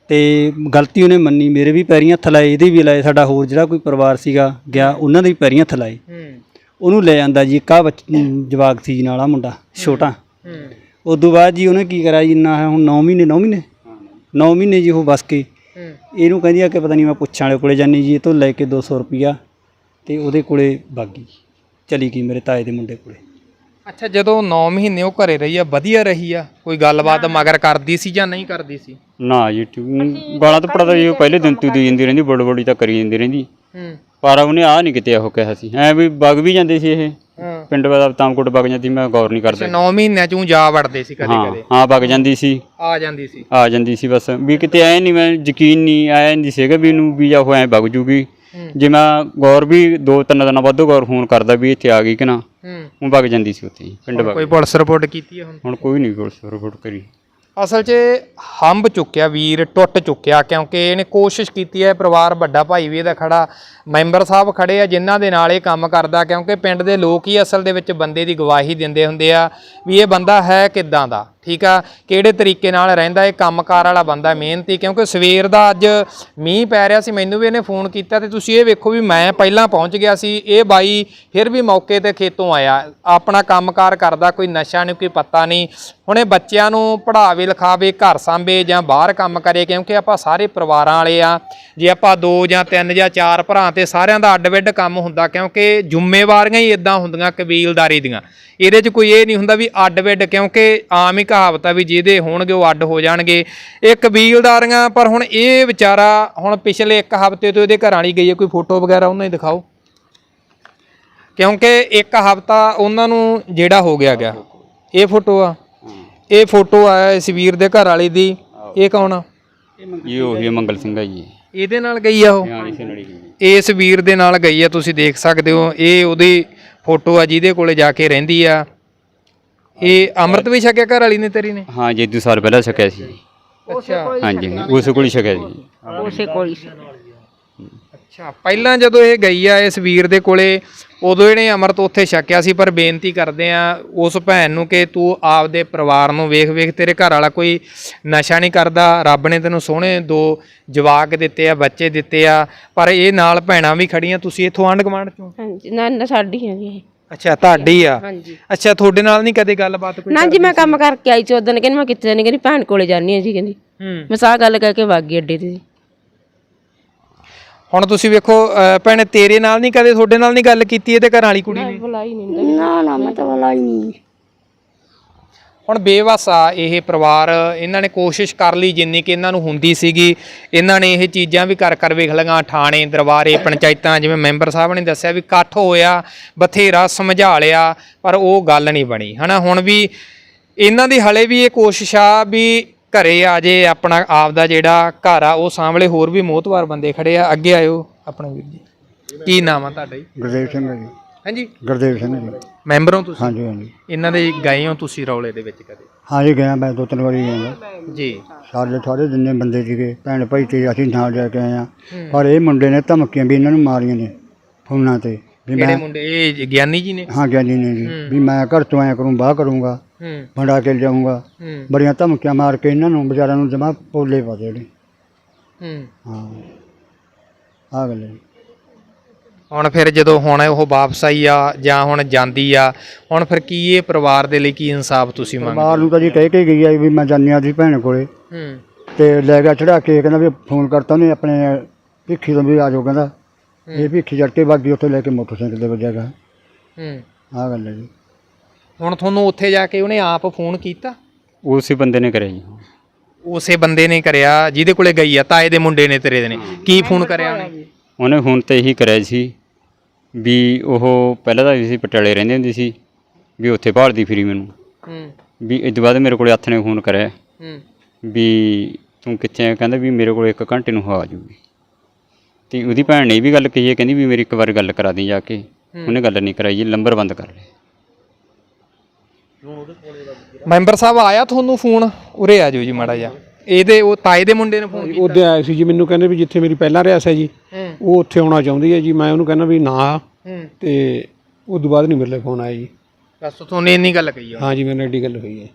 ਤੇ ਗਲਤੀ ਉਹਨੇ ਮੰਨੀ, ਮੇਰੇ ਵੀ ਪੈਰੀਂ ਹੱਥ ਲਾਏ, ਇਹਦੇ ਵੀ ਲਾਏ, ਸਾਡਾ ਹੋਰ ਜਿਹੜਾ ਕੋਈ ਪਰਿਵਾਰ ਸੀਗਾ ਗਿਆ ਉਹਨਾਂ ਦੇ ਵੀ ਪੈਰੀਂ ਹੱਥ ਲਾਏ। ਹੂੰ ਉਹਨੂੰ ਲੈ ਜਾਂਦਾ ਜੀ, ਇੱਕ ਆਹ ਬੱਚ ਜਵਾਕ ਸੀ ਜੀ ਨਾਲ, ਆ ਮੁੰਡਾ ਛੋਟਾ। ਹੂੰ ਉਦੋਂ ਬਾਅਦ ਜੀ ਉਹਨੇ ਕੀ ਕਰਿਆ ਜੀ, ਇੰਨਾ ਹੁਣ ਨੌ ਮਹੀਨੇ ਨੌ ਮਹੀਨੇ ਨੌ ਮਹੀਨੇ ਜੀ ਉਹ ਬਸ ਕੇ ਹੂੰ ਇਹਨੂੰ ਕਹਿੰਦੀ ਆ ਕਿ ਪਤਾ ਨਹੀਂ ਮੈਂ ਪੁੱਛਾਂ ਵਾਲੇ ਕੋਲੇ ਜਾਨੀ ਜੀ, ਇਹ ਤੋਂ ਲੈ ਕੇ ਦੋ ਸੌ ਰੁਪਈਆ ਤੇ ਉਹਦੇ ਕੋਲੇ ਬਾਗੀ ਚਲੀ ਗਈ, ਮੇਰੇ ਤਾਏ ਦੇ ਮੁੰਡੇ ਕੋਲੇ। ਅੱਛਾ, ਜਦੋਂ ਨੌ ਮਹੀਨੇ ਉਹ ਘਰੇ ਰਹੀ ਆ, ਵਧੀਆ ਰਹੀ ਆ? ਕੋਈ ਗੱਲਬਾਤ ਮਗਰ ਕਰਦੀ ਸੀ ਜਾਂ ਨਹੀਂ ਕਰਦੀ ਸੀ? ਨਾ ਜੀ ਟਿਊ- ਗਾਲਾਂ ਤਾਂ ਪੜਦਾ ਜੀ, ਉਹ ਪਹਿਲੇ ਦਿਨ ਤੋਂ ਹੀ ਦੇ ਜਾਂਦੀ ਰਹਿੰਦੀ, ਬੜ ਬੜੀ ਤਾਂ ਕਰੀ ਜਾਂਦੀ ਰਹਿੰਦੀ। ਹੂੰ ਪਰ ਉਹਨੇ ਆਹ ਨਹੀਂ ਕਿਤੇ ਉਹ ਕਿਹਾ ਸੀ ਐ ਵੀ ਵਗ ਵੀ ਜਾਂਦੇ ਸੀ ਇਹ ਹਾਂ ਪਿੰਡ ਦਾ ਤਾਮਕੋਟ ਵਗ ਜਾਂਦੀ, ਮੈਂ ਗੌਰ ਨਹੀਂ ਕਰਦਾ। ਨੌ ਮਹੀਨਿਆਂ ਚੋਂ ਜਾ ਵੜਦੇ ਸੀ ਕਦੇ ਹਾਂ ਕਦੇ? ਹਾਂ ਵਗ ਜਾਂਦੀ ਸੀ, ਆ ਜਾਂਦੀ ਸੀ? ਆ ਜਾਂਦੀ ਸੀ ਬਸ, ਵੀ ਕਿਤੇ ਐ ਨਹੀਂ, ਮੈਂ ਯਕੀਨ ਨਹੀਂ ਆਇਆ ਨਹੀਂ ਸੀਗਾ ਵੀ ਇਹਨੂੰ ਵੀ ਜਾਂ ਉਹ ਐ ਵਗ ਜੂਗੀ। ਜੇ ਮੈਂ ਗੌਰ ਵੀ ਦੋ ਤਿੰਨ ਦਿਨਾਂ ਬਾਅਦ ਗੌਰ ਫੋਨ ਕਰਦਾ ਵੀ ਇੱਥੇ ਆ ਗਈ ਕਿ ਨਾ, ਹੂੰ ਉਹ ਵਗ ਜਾਂਦੀ ਸੀ ਉੱਥੇ ਹੀ, ਪਿੰਡ ਵਗ। ਕੋਈ ਪੁਲਿਸ ਰਿਪੋਰਟ ਕੀਤੀ ਹੈ ਹੁਣ? ਹੁਣ ਕੋਈ ਨਹੀਂ ਪੁਲਿਸ ਰਿਪੋਰਟ ਕਰੀ। ਅਸਲ 'ਚ ਹੰਬ ਚੁੱਕਿਆ ਵੀਰ, ਟੁੱਟ ਚੁੱਕਿਆ, ਕਿਉਂਕਿ ਇਹਨੇ ਕੋਸ਼ਿਸ਼ ਕੀਤੀ ਹੈ। ਪਰਿਵਾਰ ਵੱਡਾ ਭਾਈ ਵੀ ਇਹਦਾ ਖੜਾ, ਮੈਂਬਰ ਸਾਹਿਬ ਖੜੇ ਆ ਜਿਨ੍ਹਾਂ ਦੇ ਨਾਲ ਇਹ ਕੰਮ ਕਰਦਾ, ਕਿਉਂਕਿ ਪਿੰਡ ਦੇ ਲੋਕ ਹੀ ਅਸਲ ਦੇ ਵਿੱਚ ਬੰਦੇ ਦੀ ਗਵਾਹੀ ਦਿੰਦੇ ਹੁੰਦੇ ਆ ਵੀ ਇਹ ਬੰਦਾ ਹੈ ਕਿੱਦਾਂ ਦਾ, ਠੀਕ ਆ, ਕਿਹੜੇ ਤਰੀਕੇ ਨਾਲ ਰਹਿੰਦਾ, ਇਹ ਕੰਮਕਾਰ ਵਾਲਾ ਬੰਦਾ, ਮਿਹਨਤੀ। ਕਿਉਂਕਿ ਸਵੇਰ ਦਾ ਅੱਜ ਮੀਂਹ ਪੈ ਰਿਹਾ ਸੀ, ਮੈਨੂੰ ਵੀ ਇਹਨੇ ਫੋਨ ਕੀਤਾ ਤੇ ਤੁਸੀਂ ਇਹ ਵੇਖੋ ਵੀ ਮੈਂ ਪਹਿਲਾਂ ਪਹੁੰਚ ਗਿਆ ਸੀ, ਇਹ ਬਾਈ ਫਿਰ ਵੀ ਮੌਕੇ ਤੇ ਖੇਤੋਂ ਆਇਆ, ਆਪਣਾ ਕੰਮਕਾਰ ਕਰਦਾ, ਕੋਈ ਨਸ਼ਾ ਨਹੀਂ, ਕੋਈ ਪੱਤਾ ਨਹੀਂ। ਹੁਣ ਇਹ ਬੱਚਿਆਂ ਨੂੰ ਪੜ੍ਹਾਵੇ ਲਿਖਾਵੇ, ਘਰ ਸਾਂਭੇ ਜਾਂ ਬਾਹਰ ਕੰਮ ਕਰੇ, ਕਿਉਂਕਿ ਆਪਾਂ ਸਾਰੇ ਪਰਿਵਾਰਾਂ ਵਾਲੇ ਆ। ਜੇ ਆਪਾਂ ਦੋ ਜਾਂ ਤਿੰਨ ਜਾਂ ਚਾਰ ਭਰਾ ਤੇ ਸਾਰਿਆਂ ਦਾ ਅੱਡ-ਵਿੱਡ ਕੰਮ ਹੁੰਦਾ, ਕਿਉਂਕਿ ਜ਼ਿੰਮੇਵਾਰੀਆਂ ਹੀ ਇਦਾਂ ਹੁੰਦੀਆਂ ਕਬੀਲਦਾਰੀ ਦੀਆਂ। ਇਹਦੇ 'ਚ ਕੋਈ ਇਹ ਨਹੀਂ ਹੁੰਦਾ ਵੀ ਅੱਡ-ਵਿੱਡ, ਕਿਉਂਕਿ ਆਮ ਹੀ ਕਹਾਵਤ ਆ ਵੀ ਜਿਹਦੇ ਹੋਣਗੇ ਉਹ ਅੱਡ ਹੋ ਜਾਣਗੇ, ਇਹ ਕਬੀਲਦਾਰੀਆਂ। ਪਰ ਹੁਣ ਇਹ ਵਿਚਾਰਾ ਹੁਣ ਪਿਛਲੇ ਇੱਕ ਹਫ਼ਤੇ ਤੋਂ ਇਹਦੇ ਘਰ ਵਾਲੀ ਗਈ ਹੈ, ਕੋਈ ਫੋਟੋ ਵਗੈਰਾ ਉਹਨਾਂ ਹੀ ਦਿਖਾਓ, ਕਿਉਂਕਿ ਇੱਕ ਹਫ਼ਤਾ ਉਹਨਾਂ ਨੂੰ ਜਿਹੜਾ ਹੋ ਗਿਆ ਗਿਆ। ਇਹ ਫੋਟੋ ਆ, ਇਹ ਫੋਟੋ ਆ ਇਸ ਵੀਰ ਦੇ ਘਰ ਵਾਲੀ ਦੀ। ਇਹ ਕੌਣ ਆ? ਇਹ ਉਹੀ ਮੰਗਲ ਸਿੰਘ ਆ ਜੀ, ਇਹਦੇ ਨਾਲ ਗਈ ਆ ਉਹ? ਹਾਂ ਇਸੇ ਨਾਲ ਹੀ ਗਈ। ਇਸ ਵੀਰ ਦੇ ਨਾਲ ਗਈ ਆ, ਤੁਸੀਂ ਦੇਖ ਸਕਦੇ ਹੋ। ਇਹ ਉਹਦੀ ਫੋਟੋ ਆ ਜਿਹਦੇ ਕੋਲੇ ਜਾ ਕੇ ਰਹਿੰਦੀ ਆ। ਇਹ ਅੰਮ੍ਰਿਤ ਵੀ ਛਕਿਆ ਘਰ ਵਾਲੀ ਨੇ ਤੇਰੀ ਨੇ? ਹਾਂ ਜੀ ਦੋ ਸਾਲ ਪਹਿਲਾਂ ਛਕਿਆ ਸੀ। ਅੱਛਾ ਹਾਂਜੀ ਉਸ ਕੋਲ ਹੀ ਛਕਿਆ ਸੀ। ਉਸੇ ਕੋਲ ਹੀ ਸੀ। ਅੱਛਾ, ਪਹਿਲਾਂ ਜਦੋਂ ਇਹ ਗਈ ਆ ਇਸ ਵੀਰ ਦੇ ਕੋਲੇ, ਉਦੋਂ ਇਹਨੇ ਅੰਮ੍ਰਿਤ ਉੱਥੇ ਛਕਿਆ ਸੀ। ਪਰ ਬੇਨਤੀ ਕਰਦੇ ਆ ਉਸ ਭੈਣ ਨੂੰ ਕਿ ਤੂੰ ਆਪਦੇ ਪਰਿਵਾਰ ਨੂੰ ਵੇਖ ਵੇਖ, ਤੇਰੇ ਘਰ ਵਾਲਾ ਕੋਈ ਨਸ਼ਾ ਨਹੀਂ ਕਰਦਾ, ਰੱਬ ਨੇ ਤੈਨੂੰ ਸੋਹਣੇ ਦੋ ਜਵਾਕ ਦਿੱਤੇ ਆ, ਬੱਚੇ ਦਿੱਤੇ ਆ। ਪਰ ਇਹ ਨਾਲ ਭੈਣਾਂ ਵੀ ਖੜੀਆਂ। ਤੁਸੀਂ ਇੱਥੋਂ ਆਂਢ ਗੁਆਂਢ ਚੋਂ? ਹਾਂਜੀ, ਨਾ ਨਾ ਸਾਡੀ ਹੈ ਜੀ ਇਹ। ਅੱਛਾ, ਤੁਹਾਡੀ ਆ? ਹਾਂਜੀ। ਅੱਛਾ, ਤੁਹਾਡੇ ਨਾਲ ਨਹੀਂ ਕਦੇ ਗੱਲਬਾਤ ਕੋਈ? ਨਾ ਜੀ, ਮੈਂ ਕੰਮ ਕਰਕੇ ਆਈ ਸੀ ਉਦੋਂ, ਕਹਿੰਦੀ ਮੈਂ ਕਿੱਥੇ ਜਾਣੀ, ਕਹਿੰਦੀ ਭੈਣ ਕੋਲੇ ਜਾਣੀ ਆ ਜੀ, ਕਹਿੰਦੀ। ਹੂੰ ਮੈਂ ਸਾਹ ਗੱਲ ਕਹਿ ਕੇ ਵਗ ਗਈ ਅੱਡੇ ਤੇ ਜੀ। ਹੁਣ ਤੁਸੀਂ ਵੇਖੋ ਅਹ ਭੈਣੇ ਤੇਰੇ ਨਾਲ ਨਹੀਂ ਕਦੇ ਤੁਹਾਡੇ ਨਾਲ ਨਹੀਂ ਗੱਲ ਕੀਤੀ ਇਹਦੇ ਘਰਾਂ ਵਾਲੀ ਕੁੜੀ ਨੇ? ਬੁਲਾਈ ਨਹੀਂ ਨਾ ਨਾ ਮੈਂ ਤਾਂ ਬੁਲਾਈ ਨਹੀਂ। ਹੁਣ ਬੇਵਸ ਆ ਇਹ ਪਰਿਵਾਰ। ਇਹਨਾਂ ਨੇ ਕੋਸ਼ਿਸ਼ ਕਰ ਲਈ ਜਿੰਨੀ ਕਿ ਇਹਨਾਂ ਨੂੰ ਹੁੰਦੀ ਸੀਗੀ। ਇਹਨਾਂ ਨੇ ਇਹ ਚੀਜ਼ਾਂ ਵੀ ਕਰ ਕਰ ਵੇਖ ਲਈਆਂ, ਥਾਣੇ ਦਰਬਾਰੇ ਪੰਚਾਇਤਾਂ, ਜਿਵੇਂ ਮੈਂਬਰ ਸਾਹਿਬ ਨੇ ਦੱਸਿਆ ਵੀ ਇਕੱਠ ਹੋਇਆ, ਬਥੇਰਾ ਸਮਝਾ ਲਿਆ, ਪਰ ਉਹ ਗੱਲ ਨਹੀਂ ਬਣੀ ਹਨਾ। ਹੁਣ ਵੀ ਇਹਨਾਂ ਦੀ ਹਲੇ ਵੀ ਇਹ ਕੋਸ਼ਿਸ਼ ਆ ਵੀ ਘਰੇ ਆ ਜੇ, ਆਪਣਾ ਆਪ ਦਾ ਜਿਹੜਾ ਘਰ ਆ ਉਹ ਸਾਹਮਣੇ। ਹੋਰ ਵੀ ਮੋਹਤਵਾਰ ਬੰਦੇ ਖੜੇ ਆ, ਅੱਗੇ ਆਇਓ ਆਪਣਾ ਵੀਰ ਜੀ। ਕੀ ਨਾਮ ਆ ਤੁਹਾਡਾ ਜੀ? ਗੁਰਦੇਵ ਸਿੰਘ ਜੀ। ਹਾਂਜੀ, ਗੁਰਦੇਵ ਸਿੰਘ ਜੀ। ਮੈਂਬਰ ਹੋ ਤੁਸੀਂ? ਹਾਂਜੀ ਹਾਂਜੀ ਇਹਨਾਂ ਦੇ ਗਏ ਹੋ ਤੁਸੀਂ ਰੌਲੇ ਦੇ ਵਿੱਚ ਕਦੇ? ਹਾਂਜੀ ਗਿਆ ਮੈਂ ਦੋ ਤਿੰਨ ਵਾਰੀ ਗਿਆ ਜੀ। ਸਾਡੇ ਸਾਰੇ ਜਿੰਨੇ ਬੰਦੇ ਸੀਗੇ ਭੈਣ ਭਾਈ ਤੇ ਅਸੀਂ ਨਾਲ ਜਾ ਕੇ ਆਏ ਹਾਂ। ਪਰ ਇਹ ਮੁੰਡੇ ਨੇ ਧਮਕੀਆਂ ਵੀ ਇਹਨਾਂ ਨੂੰ ਮਾਰੀਆਂ ਨੇ ਫੋਨਾਂ ਤੇ ਵੀ ਕਿਹੜੇ ਮੈਂ ਮੁੰਡੇ? ਇਹ ਗਿਆਨੀ ਜੀ ਨੇ? ਹਾਂ ਗਿਆਨੀ ਨੇ ਜੀ ਵੀ ਮੈਂ ਘਰ ਤੋਂ ਆਇਆ ਕਰੂੰ, ਬਾਹ ਕਰੂੰਗਾ, ਹੂੰ ਭੰਡਾ ਕੇ ਲਿਆਉਂਗਾ। ਹੂੰ ਬੜੀਆਂ ਧਮਕੀਆਂ ਮਾਰ ਕੇ ਇਹਨਾਂ ਨੂੰ ਵਿਚਾਰਿਆਂ ਨੂੰ ਜਮਾ ਪੋਲੇ ਪਾ ਦੇਣੇ। ਹੂੰ ਹਾਂ ਆ ਗੱਲ ਹੈ। ਹੁਣ ਫਿਰ ਜਦੋਂ ਹੁਣ ਉਹ ਵਾਪਸ ਆਈ ਆ ਜਾਂ ਹੁਣ ਜਾਂਦੀ ਆ, ਹੁਣ ਫਿਰ ਕੀ ਇਹ ਪਰਿਵਾਰ ਦੇ ਲਈ ਕੀ ਇਨਸਾਫ ਤੁਸੀਂ ਮੰਗਦੇ? ਪਰਿਵਾਰ ਨੂੰ ਤਾਂ ਜੀ ਕਹਿ ਕੇ ਗਈ ਆ ਵੀ ਮੈਂ ਜਾਂਦੀ ਆ ਦੀ ਭੈਣ ਕੋਲੇ, ਹੂੰ ਤੇ ਲੈ ਗਿਆ ਚੜਾ ਕੇ। ਕਹਿੰਦਾ ਵੀ ਫੋਨ ਕਰਤਾ ਉਹਨੇ ਆਪਣੇ ਭਿੱਖੀ ਤੋਂ ਵੀ ਆ ਜਾਓ, ਕਹਿੰਦਾ ਇਹ ਭਿੱਖੀ ਚੜ ਕੇ ਬਾਗੀ ਉੱਥੇ ਲੈ ਕੇ ਮੋਟਰਸਾਈਕਲ ਤੇ ਵੱਜਿਆ ਗਾ। ਹੂੰ ਆਹ ਗੱਲ ਹੈ ਜੀ। ਹੁਣ ਤੁਹਾਨੂੰ ਉੱਥੇ ਜਾ ਕੇ ਉਹਨੇ ਆਪ ਫੋਨ ਕੀਤਾ? ਉਸੇ ਬੰਦੇ ਨੇ ਕਰਿਆ ਜੀ। ਉਸੇ ਬੰਦੇ ਨੇ ਕਰਿਆ ਜਿਹਦੇ ਕੋਲੇ ਗਈ ਆ, ਤਾਏ ਦੇ ਮੁੰਡੇ ਨੇ ਤੇਰੇ ਦੇ ਨੇ? ਕੀ ਫੋਨ ਕਰਿਆ ਉਹਨੇ? ਉਹਨੇ ਹੁਣ ਤੇ ਇਹੀ ਕਰਿਆ ਸੀ ਵੀ ਉਹ ਪਹਿਲਾਂ ਤਾਂ ਅਸੀਂ ਪਟਿਆਲੇ ਰਹਿੰਦੇ ਹੁੰਦੇ ਸੀ, ਵੀ ਉੱਥੇ ਭਾਲਦੀ ਫਿਰੀ ਮੈਨੂੰ। ਹੂੰ ਵੀ ਇਸ ਤੋਂ ਬਾਅਦ ਮੇਰੇ ਕੋਲ ਹੱਥ ਨੇ ਫੋਨ ਕਰਿਆ ਹੂੰ ਵੀ ਤੂੰ ਕਿੱਥੇ ਆ? ਕਹਿੰਦਾ ਵੀ ਮੇਰੇ ਕੋਲ ਇੱਕ ਘੰਟੇ ਨੂੰ ਆ ਜਾਊਗੀ। ਤੇ ਉਹਦੀ ਭੈਣ ਨੇ ਵੀ ਗੱਲ ਕਹੀ ਹੈ, ਕਹਿੰਦੀ ਵੀ ਮੇਰੀ ਇੱਕ ਵਾਰ ਗੱਲ ਕਰਾ ਦੀ ਜਾ ਕੇ। ਉਹਨੇ ਗੱਲ ਨਹੀਂ ਕਰਾਈ ਜੀ, ਨੰਬਰ ਬੰਦ ਕਰ ਲਿਆ। ਮੈਂਬਰ ਸਾਹਿਬ ਆਇਆ ਤੁਹਾਨੂੰ ਫੋਨ? ਉਰੇ ਆ ਜਾਓ ਜੀ ਮਾੜਾ ਜਿਹਾ। ਇਹਦੇ ਉਹ ਤਾਏ ਦੇ ਮੁੰਡੇ ਨੇ ਫੋਨ ਕੀਤਾ? ਉਹਦੇ ਆਏ ਸੀ ਜੀ, ਮੈਨੂੰ ਕਹਿੰਦੇ ਵੀ ਜਿੱਥੇ ਮੇਰੀ ਪਹਿਲਾਂ ਰਿਹਾਇਸ਼ ਹੈ ਜੀ ਉਹ ਉੱਥੇ ਆਉਣਾ ਚਾਹੁੰਦੀ ਹੈ ਜੀ। ਮੈਂ ਉਹਨੂੰ ਕਹਿੰਦਾ ਵੀ ਨਾ, ਤੇ ਉਸ ਤੋਂ ਬਾਅਦ ਨਹੀਂ ਮੇਰੇ ਲਈ ਫੋਨ ਆਇਆ ਜੀ। ਬਸ ਤੁਹਾਨੂੰ ਇੰਨੀ ਗੱਲ ਕਹੀ ਆ? ਹਾਂ ਜੀ, ਮੇਰੇ ਨਾਲ ਐਡੀ ਗੱਲ ਹੋਈ ਹੈ।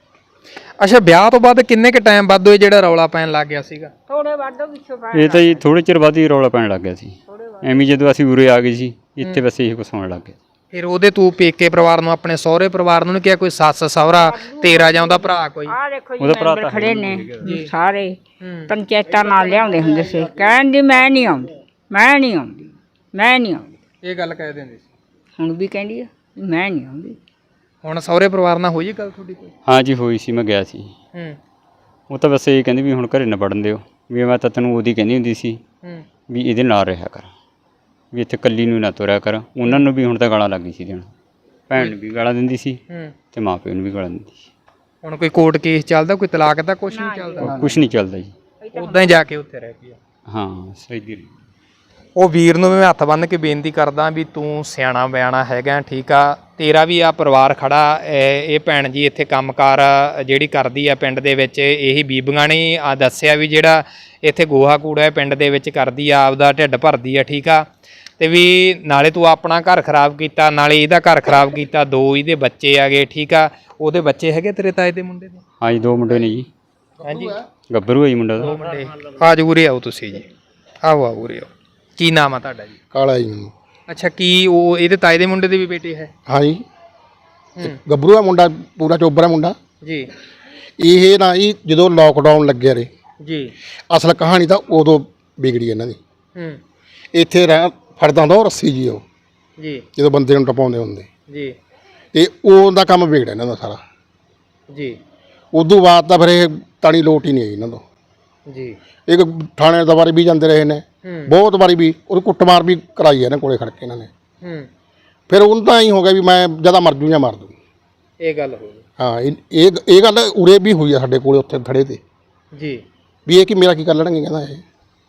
ਅੱਛਾ, ਵਿਆਹ ਤੋਂ ਬਾਅਦ ਕਿੰਨੇ ਕੁ ਟਾਈਮ ਬਾਅਦ ਇਹ ਜਿਹੜਾ ਰੌਲਾ ਪੈਣ ਲੱਗ ਗਿਆ ਸੀਗਾ? ਥੋੜੇ ਵਾਧੋ ਪਿੱਛੋਂ ਪਾ ਇਹ ਤਾਂ ਜੀ ਥੋੜੇ ਚਿਰ ਬਾਅਦ ਹੀ ਰੌਲਾ ਪੈਣ ਲੱਗ ਗਿਆ ਸੀ। ਐਵੇਂ ਜਦੋਂ ਅਸੀਂ ਉਰੇ ਆ ਗਏ ਸੀ ਇੱਥੇ ਬਸ ਇਹੀ ਕੁਛ ਹੋਣ ਲੱਗ ਗਿਆ। ਫਿਰ ਉਹਦੇ ਤੂੰ ਪੇਕੇ ਪਰਿਵਾਰ ਨੂੰ, ਆਪਣੇ ਸਹੁਰੇ ਪਰਿਵਾਰ ਨੂੰ ਨੀ ਕਿਹਾ ਕੋਈ ਸੱਸ ਸਹੁਰਾ ਤੇਰਾ ਜਾਂ ਉਹਦਾ ਭਰਾ ਕੋਈ? ਆ ਦੇਖੋ ਜੀ ਉਹਦਾ ਭਰਾ ਮੈਂਬਰ ਤਾਂ ਖੜੇ ਨੇ ਸਾਰੇ, ਪੰਚਾਇਤਾਂ ਨਾਲ ਲਿਆਉਂਦੇ ਹੁੰਦੇ ਸੀ। ਕਹਿੰਦੀ ਮੈਂ ਨਹੀਂ ਆਉਂਦੀ, ਮੈਂ ਨਹੀਂ ਆਉਂਦੀ, ਮੈਂ ਨਹੀਂ ਆਉਂਦੀ। ਇਹ ਗੱਲ ਕਹਿ ਦਿੰਦੇ ਸੀ? ਹੁਣ ਵੀ ਕਹਿੰਦੀ ਆ ਵੀ ਮੈਂ ਨਹੀਂ ਆਉਂਦੀ। ਹੁਣ ਸਹੁਰੇ ਪਰਿਵਾਰ ਨਾਲ ਹੋਈ ਗੱਲ ਤੁਹਾਡੀ ਕੋਈ? ਹਾਂ ਜੀ ਹੋਈ ਸੀ, ਮੈਂ ਗਿਆ ਸੀ। ਹੂੰ ਉਹ ਤਾਂ ਬਸ ਇਹ ਕਹਿੰਦੀ ਵੀ ਹੁਣ ਘਰੇ ਨਾ ਵੜਨ ਦਿਓ, ਵੀ ਮੈਂ ਤਾਂ ਤੈਨੂੰ ਉਹਦੀ ਕਹਿੰਦੀ ਹੁੰਦੀ ਸੀ ਹੂੰ ਵੀ ਇਹਦੇ ਨਾਲ ਰਿਹਾ ਕਰ, ਵੀ ਇੱਥੇ ਇਕੱਲੀ ਨੂੰ ਨਾ ਤੁਰਿਆ ਕਰ। ਉਹਨਾਂ ਨੂੰ ਵੀ ਹੁਣ ਤਾਂ ਗਾਲਾਂ ਲੱਗ ਗਈ ਸੀ ਦੇਣ, ਭੈਣ ਨੂੰ ਵੀ ਗਾਲਾਂ ਦਿੰਦੀ ਸੀ ਹੂੰ ਤੇ ਮਾਂ ਪਿਓ ਨੂੰ ਵੀ ਗਾਲਾਂ ਦਿੰਦੀ ਸੀ। ਹੁਣ ਕੋਈ ਕੋਰਟ ਕੇਸ ਚੱਲਦਾ, ਕੋਈ ਤਲਾਕ ਦਾ ਕੁਝ ਨਹੀਂ ਚੱਲਦਾ? ਕੁਛ ਨਹੀਂ ਚੱਲਦਾ ਜੀ। ਉਦਾਂ ਹੀ ਜਾ ਕੇ ਉੱਥੇ ਰਹਿ ਪਈ? ਹਾਂ ਸਹੀ ਦੀ। ਉਹ ਵੀਰ ਨੂੰ ਮੈਂ ਹੱਥ ਬੰਨ੍ਹ ਕੇ ਬੇਨਤੀ ਕਰਦਾ ਵੀ ਤੂੰ ਸਿਆਣਾ ਬਿਆਣਾ ਹੈਗਾ, ਠੀਕ ਆ, ਤੇਰਾ ਵੀ ਆ ਪਰਿਵਾਰ ਖੜਾ। ਇਹ ਇਹ ਭੈਣ ਜੀ ਇੱਥੇ ਕੰਮਕਾਰ ਜਿਹੜੀ ਕਰਦੀ ਆ ਪਿੰਡ ਦੇ ਵਿੱਚ, ਇਹੀ ਬੀਬੀਆਂ ਨੇ ਆ ਦੱਸਿਆ ਵੀ ਜਿਹੜਾ ਇੱਥੇ ਗੋਹਾ ਕੂੜਾ ਹੈ ਪਿੰਡ ਦੇ ਵਿੱਚ ਕਰਦੀ ਆ, ਆਪਦਾ ਢਿੱਡ ਭਰਦੀ ਆ, ਠੀਕ ਆ। ਤੇ ਵੀ ਨਾਲੇ ਤੂੰ ਆਪਣਾ ਘਰ ਖਰਾਬ ਕੀਤਾ, ਨਾਲੇ ਇਹਦਾ ਘਰ ਖਰਾਬ ਕੀਤਾ। ਦੋ ਇਹਦੇ ਬੱਚੇ ਆਗੇ, ਠੀਕ ਆ। ਉਹਦੇ ਬੱਚੇ ਹੈਗੇ ਤੇਰੇ ਤਾਏ ਦੇ ਮੁੰਡੇ ਦੇ? ਹਾਂ ਜੀ ਦੋ ਮੁੰਡੇ ਨੇ ਜੀ। ਹਾਂਜੀ ਗੱਭਰੂ ਹੈ ਜੀ ਮੁੰਡਾ ਦੋ ਦਾ। ਮੁੰਡੇ। ਆ ਜਾਓ ਉਰੇ ਆਓ ਤੁਸੀਂ ਜੀ, ਆਓ ਆਓ ਉਰੇ ਆਓ। ਕੀ ਨਾਮ ਆ ਤੁਹਾਡਾ ਜੀ? ਕਾਲਾ ਜੀ ਮੈਨੂੰ। ਅੱਛਾ, ਕੀ ਉਹ ਇਹਦੇ ਤਾਏ ਦੇ ਮੁੰਡੇ ਦੇ ਵੀ ਬੇਟੇ ਹੈ? ਹਾਂ ਜੀ, ਗੱਭਰੂ ਦਾ ਮੁੰਡਾ, ਪੂਰਾ ਚੋਬਰਾ ਮੁੰਡਾ ਜੀ ਇਹ ਨਾ ਜੀ। ਜਦੋਂ ਲੋਕਡਾਊਨ ਲੱਗਿਆ ਰੇ, ਜੀ ਅਸਲ ਕਹਾਣੀ ਤਾਂ ਉਦੋਂ ਵਿਗੜੀ ਇਹਨਾਂ ਦੀ। ਹੂੰ ਇੱਥੇ ਰਹਿ ਫੜਦਾ ਹੁੰਦਾ ਉਹ ਰੱਸੀ ਜੀ, ਉਹ ਜੀ ਜਦੋਂ ਬੰਦੇ ਨੂੰ ਟਪਾਉਂਦੇ ਹੁੰਦੇ, ਜੀ ਤੇ ਉਹਦਾ ਕੰਮ ਵਿਗੜਿਆ ਇਹਨਾਂ ਦਾ ਸਾਰਾ। ਜੀ ਉਦੋਂ ਬਾਅਦ ਤਾਂ ਫਿਰ ਇਹ ਤਾਣੀ ਲੋਟ ਹੀ ਨਹੀਂ ਆਈ ਇਹਨਾਂ ਤੋਂ। ਜੀ ਇੱਕ ਥਾਣੇ ਦਾ ਵਾਰੀ ਵੀ ਜਾਂਦੇ ਰਹੇ ਨੇ, ਹੂੰ ਬਹੁਤ ਵਾਰੀ ਵੀ ਉਹਦੀ ਕੁੱਟਮਾਰ ਵੀ ਕਰਾਈ ਹੈ ਇਹਨਾਂ ਕੋਲੇ ਖੜ ਕੇ ਇਹਨਾਂ ਨੇ। ਹੂੰ ਫਿਰ ਉਹਨੂੰ ਤਾਂ ਐਂ ਹੋ ਗਿਆ ਵੀ ਮੈਂ ਜਿਆਦਾ ਮਰ ਜੂ ਜਾਂ ਮਰ ਦੂੰ। ਇਹ ਗੱਲ ਹੋ ਗਈ ਹਾਂ, ਇਹ ਇਹ ਇਹ ਗੱਲ ਉਰੇ ਵੀ ਹੋਈ ਆ ਸਾਡੇ ਕੋਲੇ ਉੱਥੇ ਥੜੇ ਤੇ, ਜੀ। ਵੀ ਇਹ ਕੀ ਮੇਰਾ ਕੀ ਕਰ ਲੈਣਗੇ। ਕਹਿੰਦਾ ਇਹ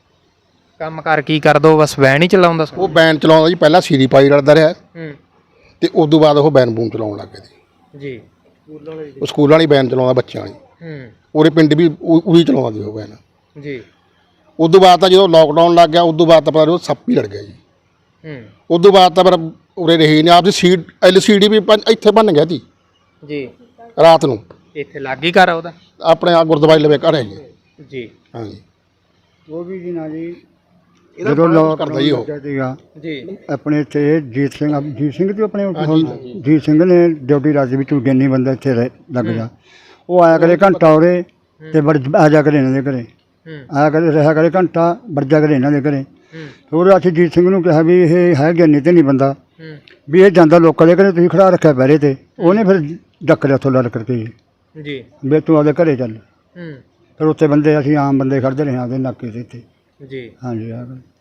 ਕੰਮ ਕਰ ਕੀ ਕਰ ਦੋ, ਬਸ ਵੈਨ ਹੀ ਚਲਾਉਂਦਾ ਸੀ? ਉਹ ਬੈਨ ਚਲਾਉਂਦਾ ਜੀ, ਪਹਿਲਾਂ ਸੀਰੀ ਪਾਈ ਲੜਦਾ ਰਿਹਾ, ਹੂੰ ਤੇ ਉਸ ਤੋਂ ਬਾਅਦ ਉਹ ਬੈਨ ਬੂਨ ਚਲਾਉਣ ਲੱਗ ਗਿਆ ਜੀ। ਜੀ ਉਹ ਸਕੂਲਾਂ ਵਾਲੀ ਬੈਨ ਚਲਾਉਂਦਾ ਬੱਚਿਆਂ ਵਾਲੀ, ਹੂੰ ਉਹਦੇ ਪਿੰਡ ਵੀ ਉਹੀ ਚਲਾਉਂਦਾ ਸੀ ਉਹ ਬੈਨ। ਜੀ ਉਸ ਤੋਂ ਬਾਅਦ ਤਾਂ ਜਦੋਂ ਲੋਕਡਾਊਨ ਲੱਗ ਗਿਆ, ਉਸ ਤੋਂ ਬਾਅਦ ਤਾਂ ਪਤਾ ਨਹੀਂ ਉਹ ਸੱਪ ਹੀ ਲੜ ਗਿਆ ਜੀ। ਹੂੰ ਉਸ ਤੋਂ ਬਾਅਦ ਤਾਂ ਫਿਰ ਉਰੇ ਰਹੀ ਨਹੀਂ। ਆਪਦੀ seat L C D V ਬਣ- ਇੱਥੇ ਬਣ ਗਿਆ ਸੀ ਜੀ। ਰਾਤ ਨੂੰ। ਇੱਥੇ ਲੱਗ ਹੀ ਘਰ ਉਹਦਾ? ਆਪਣੇ ਆ ਗੁਰਦੁਆਰੇ ਲਵੇ ਘਰ ਹੈ ਜੀ। ਜੀ ਹਾਂਜੀ, ਉਹ ਵੀ ਜੀ ਨਾ ਜੀ ਇਹਦਾ ਜਦੋਂ ਬੜਾ ਲੋਕ ਕੁਛ ਕਰਦਾ ਜੀ ਉਹ। ਸੀਗਾ ਜੀ ਆਪਣੇ ਇੱਥੇ ਜੀਤ ਸਿੰਘ, ਜੀਤ ਸਿੰਘ ਤੇ ਆਪਣੇ ਜੀਤ ਸਿੰਘ ਨੇ ਡਿਊਟੀ ਰਾਜੀ ਵੀ ਤੂੰ ਗਿਆਨੀ ਬੰਦਾ ਇੱਥੇ ਰਹਿ ਲੱਗ ਜਾ। ਉਹ ਆਇਆ ਕਰੇ ਘੰਟਾ ਉਰੇ ਤੇ ਵੜ ਆ ਜਾ ਕਰੇ ਇਹਨਾਂ ਦੇ ਘਰੇ, ਹੂੰ ਆਇਆ ਕਰੇ ਰਿਹਾ ਕਰੇ ਘੰਟਾ ਵੜ ਜਾ ਕਰੇ ਇਹਨਾਂ ਦੇ ਘਰੇ। ਹੋਰ ਅਸੀਂ ਜੀਤ ਸਿੰਘ ਨੂੰ ਕਿਹਾ ਵੀ ਇਹ ਹੈ ਗਿਆਨੀ ਤੇ ਨਹੀਂ ਬੰਦਾ, ਵੀ ਇਹ ਜਾਂਦਾ ਲੋਕਾਂ ਦੇ ਘਰੇ, ਤੁਸੀਂ ਖੜਾ ਰੱਖਿਆ ਪਹਿਰੇ ਤੇ। ਉਹਨੇ ਫਿਰ ਡੱਕ ਲਿਆ ਉੱਥੋਂ ਲੜ ਕਰਕੇ ਜੀ ਵੀ ਤੂੰ ਆਪਦੇ ਘਰੇ ਚੱਲ। ਹੂੰ ਫਿਰ ਉੱਥੇ ਬੰਦੇ ਅਸੀਂ ਆਮ ਬੰਦੇ ਖੜਦੇ ਰਹੇ ਆਪਦੇ ਨਾਕੇ ਦੇ ਇੱਥੇ। ਜੀ ਹਾਂਜੀ ਆ ਗੱਲ।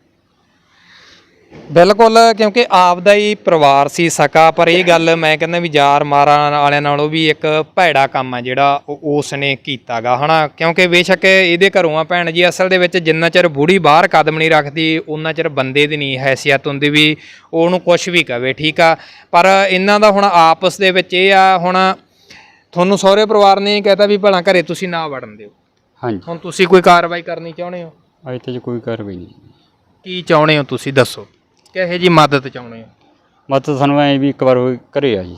ਬਿਲਕੁਲ, ਕਿਉਂਕਿ ਆਪ ਦਾ ਹੀ ਪਰਿਵਾਰ ਸੀ ਸਕਾ, ਪਰ ਇਹ ਗੱਲ ਮੈਂ ਕਹਿੰਦਾ ਵੀ ਯਾਰ ਮਾਰਾਂ ਵਾਲਿਆਂ ਨਾਲੋਂ ਵੀ ਇੱਕ ਭੈੜਾ ਕੰਮ ਆ ਜਿਹੜਾ ਉਹ ਉਸ ਨੇ ਕੀਤਾ ਗਾ ਹਨਾ। ਕਿਉਂਕਿ ਬੇਸ਼ੱਕ ਇਹਦੇ ਘਰੋਂ ਆ ਭੈਣ ਜੀ, ਅਸਲ ਦੇ ਵਿੱਚ ਜਿੰਨਾ ਚਿਰ ਬੁੜੀ ਬਾਹਰ ਕਦਮ ਨਹੀਂ ਰੱਖਦੀ ਉਹਨਾਂ ਚਿਰ ਬੰਦੇ ਦੀ ਨਹੀਂ ਹੈਸੀਅਤ ਹੁੰਦੀ ਵੀ ਉਹਨੂੰ ਕੁਝ ਵੀ ਕਵੇ, ਠੀਕ ਆ। ਪਰ ਇਹਨਾਂ ਦਾ ਹੁਣ ਆਪਸ ਦੇ ਵਿੱਚ ਇਹ ਆ, ਹੁਣ ਤੁਹਾਨੂੰ ਸਹੁਰੇ ਪਰਿਵਾਰ ਨੇ ਕਹਿਤਾ ਵੀ ਭਲਾ ਘਰੇ ਤੁਸੀਂ ਨਾ ਵੜਨ ਦਿਓ, ਹਾਂਜੀ ਹੁਣ ਤੁਸੀਂ ਕੋਈ ਕਾਰਵਾਈ ਕਰਨੀ ਚਾਹੁੰਦੇ ਹੋ? ਅੱਜ ਤੱਕ ਕੋਈ ਕਾਰਵਾਈ ਨਹੀਂ। ਕੀ ਚਾਹੁੰਦੇ ਹੋ ਤੁਸੀਂ ਦੱਸੋ, ਕਿਹੋ ਜੀ ਮਦਦ ਚਾਹੁੰਦੇ ਹੋ? ਮਤਲਬ ਸਾਨੂੰ ਐ ਵੀ ਇੱਕ ਵਾਰ ਉਹ ਘਰੇ ਆ ਜੀ,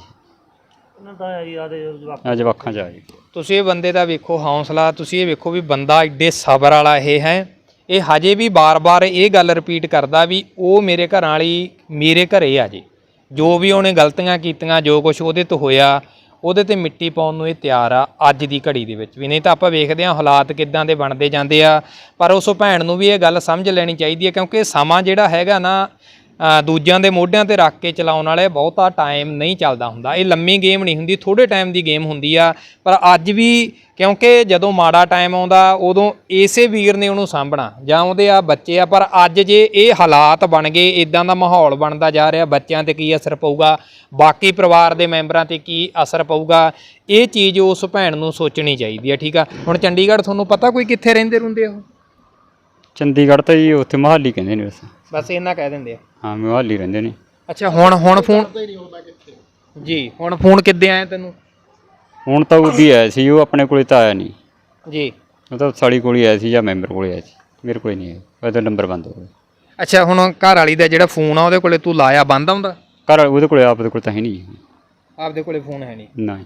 ਆ ਜਵਾਕਾਂ ਚ ਆ ਜੀ। ਤੁਸੀਂ ਇਹ ਬੰਦੇ ਦਾ ਵੇਖੋ ਹੌਸਲਾ, ਤੁਸੀਂ ਇਹ ਵੇਖੋ ਵੀ ਬੰਦਾ ਏਡੇ ਸਬਰ ਵਾਲਾ ਇਹ ਹੈ। ਇਹ ਹਜੇ ਵੀ ਬਾਰ-ਬਾਰ ਇਹ ਗੱਲ ਰਿਪੀਟ ਕਰਦਾ ਵੀ ਉਹ ਮੇਰੇ ਘਰਾਂ ਵਾਲੀ ਮੇਰੇ ਘਰੇ ਆ ਜੀ, ਜੋ ਵੀ ਉਹਨੇ ਗਲਤੀਆਂ ਕੀਤੀਆਂ, ਜੋ ਕੁਝ ਉਹਦੇ ਤੋਂ ਹੋਇਆ, ਉਹਦੇ ਤੇ ਮਿੱਟੀ ਪਾਉਣ ਨੂੰ ਇਹ ਤਿਆਰ ਆ ਅੱਜ ਦੀ ਘੜੀ ਦੇ ਵਿੱਚ ਵੀ। ਨਹੀਂ ਤਾਂ ਆਪਾਂ ਵੇਖਦੇ ਹਾਂ ਹਾਲਾਤ ਕਿੱਦਾਂ ਦੇ ਬਣਦੇ ਜਾਂਦੇ ਆ। ਪਰ ਉਸ ਭੈਣ ਨੂੰ ਵੀ ਇਹ ਗੱਲ ਸਮਝ ਲੈਣੀ ਚਾਹੀਦੀ ਹੈ, ਕਿਉਂਕਿ ਸਮਾਂ ਜਿਹੜਾ ਹੈਗਾ ਨਾ ਦੂਜਿਆਂ ਦੇ ਮੋਢਿਆਂ ਤੇ ਰੱਖ ਕੇ ਚਲਾਉਣ ਵਾਲੇ ਬਹੁਤਾ ਟਾਈਮ ਨਹੀਂ ਚੱਲਦਾ ਹੁੰਦਾ। ਇਹ ਲੰਮੀ ਗੇਮ ਨਹੀਂ ਹੁੰਦੀ, ਥੋੜ੍ਹੇ ਟਾਈਮ ਦੀ ਗੇਮ ਹੁੰਦੀ ਆ। ਪਰ ਅੱਜ ਵੀ ਕਿਉਂਕਿ ਜਦੋਂ ਮਾੜਾ ਟਾਈਮ ਆਉਂਦਾ ਉਦੋਂ ਇਸੇ ਵੀਰ ਨੇ ਉਹਨੂੰ ਸਾਂਭਣਾ, ਜਾਂ ਉਹਦੇ ਆ ਬੱਚੇ ਆ। ਪਰ ਅੱਜ ਜੇ ਇਹ ਹਾਲਾਤ ਬਣ ਗਏ, ਇਦਾਂ ਦਾ ਮਾਹੌਲ ਬਣਦਾ ਜਾ ਰਿਹਾ, ਬੱਚਿਆਂ ਤੇ ਕੀ ਅਸਰ ਪਊਗਾ, ਬਾਕੀ ਪਰਿਵਾਰ ਦੇ ਮੈਂਬਰਾਂ ਤੇ ਕੀ ਅਸਰ ਪਊਗਾ, ਇਹ ਚੀਜ਼ ਉਸ ਭੈਣ ਨੂੰ ਸੋਚਣੀ ਚਾਹੀਦੀ ਹੈ, ਠੀਕ ਆ। ਹੁਣ ਚੰਡੀਗੜ੍ਹ ਤੁਹਾਨੂੰ ਪਤਾ ਕੋਈ ਕਿੱਥੇ ਰਹਿੰਦੇ ਰਹਿੰਦੇ ਉਹ? ਚੰਡੀਗੜ੍ਹ ਤਾਂ ਜੀ ਉੱਥੇ ਮੋਹਾਲੀ ਕਹਿੰਦੇ ਨੇ ਬਸ। ਬਸ ਇਹਨਾਂ ਕਹਿ ਦਿੰਦੇ ਆ। ਹਾਂ ਮੋਹਾਲੀ ਰਹਿੰਦੇ ਨੇ। ਅੱਛਾ, ਹੁਣ ਹੁਣ ਫੋਨ ਜੀ, ਹੁਣ ਫੋਨ ਕਿੱਦੇ ਆਇਆ ਤੈਨੂੰ? ਹੁਣ ਤਾਂ ਉਹਦੀ ਆਇਆ ਸੀ, ਉਹ ਆਪਣੇ ਕੋਲੇ ਤਾਂ ਆਇਆ ਨਹੀਂ ਜੀ। ਉਹ ਤਾਂ ਸਾਲੀ ਕੋਲ ਹੀ ਆਇਆ ਸੀ ਜਾਂ ਮੈਂਬਰ ਕੋਲੇ ਆਇਆ ਸੀ, ਮੇਰੇ ਕੋਲੇ ਨਹੀਂ ਆਇਆ, ਉਹਦਾ ਨੰਬਰ ਬੰਦ ਹੋ ਗਿਆ। ਅੱਛਾ, ਹੁਣ ਘਰ ਵਾਲੀ ਦਾ ਜਿਹੜਾ ਫੋਨ ਆ ਉਹਦੇ ਕੋਲੇ ਤੂੰ ਲਾਇਆ, ਬੰਦ ਆਉਂਦਾ? ਘਰ ਉਹਦੇ ਕੋਲੇ ਆਪ ਦੇ ਕੋਲ ਤਾਂ ਹੈ ਨਹੀਂ। ਆਪਦੇ ਕੋਲੇ ਫੋਨ ਹੈ ਨਹੀਂ? ਨਾ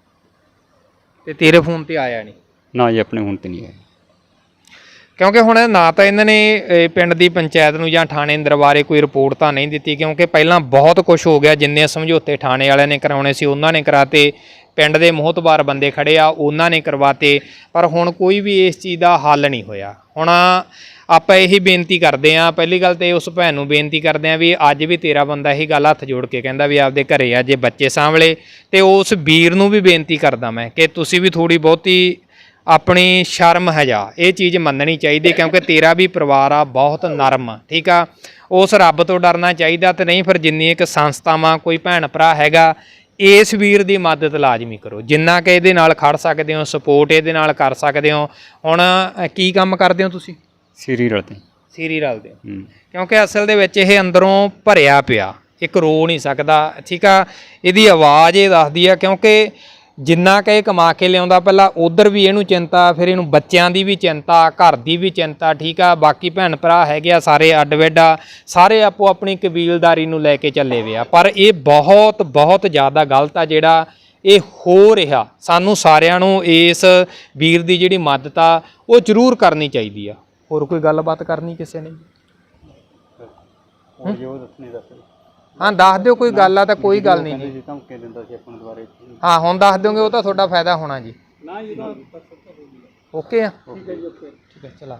ਤੇ ਤੇਰੇ ਫੋਨ ਤੇ ਆਇਆ ਨਹੀਂ? ਨਾ ਜੀ, ਆਪਣੇ ਹੁਣ ਤੇ ਨਹੀਂ ਆਇਆ। ਕਿਉਂਕਿ ਹੁਣ ਨਾ ਤਾਂ ਇਹਨਾਂ ਨੇ ਪਿੰਡ ਦੀ ਪੰਚਾਇਤ ਨੂੰ ਜਾਂ ਥਾਣੇ ਦਰਬਾਰੇ ਕੋਈ ਰਿਪੋਰਟ ਤਾਂ ਨਹੀਂ ਦਿੱਤੀ, ਕਿਉਂਕਿ ਪਹਿਲਾਂ ਬਹੁਤ ਕੁਝ ਹੋ ਗਿਆ। ਜਿੰਨੇ ਸਮਝੌਤੇ ਥਾਣੇ ਵਾਲਿਆਂ ਨੇ ਕਰਾਉਣੇ ਸੀ ਉਹਨਾਂ ਨੇ ਕਰਾਤੇ, ਪਿੰਡ ਦੇ ਮੋਹਤਬਾਰ ਬੰਦੇ ਖੜੇ ਆ ਉਹਨਾਂ ਨੇ ਕਰਵਾਤੇ, ਪਰ ਹੁਣ ਕੋਈ ਵੀ ਇਸ ਚੀਜ਼ ਦਾ ਹੱਲ ਨਹੀਂ ਹੋਇਆ। ਹੁਣ ਆਪਾਂ ਇਹੀ ਬੇਨਤੀ ਕਰਦੇ ਹਾਂ, ਪਹਿਲੀ ਗੱਲ ਤੇ ਉਸ ਭੈਣ ਨੂੰ ਬੇਨਤੀ ਕਰਦੇ ਹਾਂ ਵੀ ਅੱਜ ਵੀ ਤੇਰਾ ਬੰਦਾ ਇਹੀ ਗੱਲ ਹੱਥ ਜੋੜ ਕੇ ਕਹਿੰਦਾ ਵੀ ਆਪਦੇ ਘਰੇ ਆ ਜੇ ਬੱਚੇ ਸਾਂਭਲੇ, ਤੇ ਉਸ ਵੀਰ ਨੂੰ ਵੀ ਬੇਨਤੀ ਕਰਦਾ ਮੈਂ ਕਿ ਤੁਸੀਂ ਵੀ ਥੋੜ੍ਹੀ ਬਹੁਤੀ ਆਪਣੀ ਸ਼ਰਮ ਹਜਾ ਇਹ ਚੀਜ਼ ਮੰਨਣੀ ਚਾਹੀਦੀ, ਕਿਉਂਕਿ ਤੇਰਾ ਵੀ ਪਰਿਵਾਰ ਆ ਬਹੁਤ ਨਰਮ, ਠੀਕ ਆ। ਉਸ ਰੱਬ ਤੋਂ ਡਰਨਾ ਚਾਹੀਦਾ, ਤੇ ਨਹੀਂ ਫਿਰ ਜਿੰਨੀ ਇੱਕ ਸੰਸਥਾਵਾਂ ਕੋਈ ਭੈਣ ਭਰਾ ਹੈਗਾ, ਇਸ ਵੀਰ ਦੀ ਮਦਦ ਲਾਜ਼ਮੀ ਕਰੋ ਜਿੰਨਾ ਕਿ ਇਹਦੇ ਨਾਲ ਖੜ ਸਕਦੇ ਹੋ, ਸਪੋਰਟ ਇਹਦੇ ਨਾਲ ਕਰ ਸਕਦੇ ਹੋ। ਹੁਣ ਕੀ ਕੰਮ ਕਰਦੇ ਹੋ ਤੁਸੀਂ? ਸੀਰੀ ਰਲਦੇ ਸੀਰੀ ਰਲਦੇ ਹੋ, ਕਿਉਂਕਿ ਅਸਲ ਦੇ ਵਿੱਚ ਇਹ ਅੰਦਰੋਂ ਭਰਿਆ ਪਿਆ, ਇੱਕ ਰੋ ਨਹੀਂ ਸਕਦਾ, ਠੀਕ ਆ। ਇਹਦੀ ਆਵਾਜ਼ ਇਹ ਦੱਸਦੀ ਆ, ਕਿਉਂਕਿ ਜਿੰਨਾ ਕਿ ਇਹ ਕਮਾ ਕੇ ਲਿਆਉਂਦਾ, ਪਹਿਲਾਂ ਉਧਰ ਵੀ ਇਹਨੂੰ ਚਿੰਤਾ, ਫਿਰ ਇਹਨੂੰ ਬੱਚਿਆਂ ਦੀ ਵੀ ਚਿੰਤਾ, ਘਰ ਦੀ ਵੀ ਚਿੰਤਾ, ਠੀਕ ਆ। ਬਾਕੀ ਭੈਣ ਭਰਾ ਹੈਗੇ ਆ ਸਾਰੇ ਅੱਡ ਵਿੱਡ ਆ, ਸਾਰੇ ਆਪੋ ਆਪਣੀ ਕਬੀਲਦਾਰੀ ਨੂੰ ਲੈ ਕੇ ਚੱਲੇ ਵੇ ਆ। ਪਰ ਇਹ ਬਹੁਤ ਬਹੁਤ ਜ਼ਿਆਦਾ ਗਲਤ ਆ ਜਿਹੜਾ ਇਹ ਹੋ ਰਿਹਾ। ਸਾਨੂੰ ਸਾਰਿਆਂ ਨੂੰ ਇਸ ਵੀਰ ਦੀ ਜਿਹੜੀ ਮਦਦ ਆ ਉਹ ਜ਼ਰੂਰ ਕਰਨੀ ਚਾਹੀਦੀ ਆ। ਹੋਰ ਕੋਈ ਗੱਲਬਾਤ ਕਰਨੀ ਕਿਸੇ ਨੇ? ਹਾਂ ਦੱਸ ਦਿਓ, ਕੋਈ ਗੱਲ ਆ ਤਾਂ ਕੋਈ ਗੱਲ ਨਹੀਂ ਜੀ। ਹਾਂ ਹੁਣ ਦੱਸ ਦਿਓਗੇ, ਉਹ ਤਾਂ ਤੁਹਾਡਾ ਫਾਇਦਾ ਹੋਣਾ ਜੀ। ਓਕੇ ਆ, ਠੀਕ ਹੈ ਚਲਾ।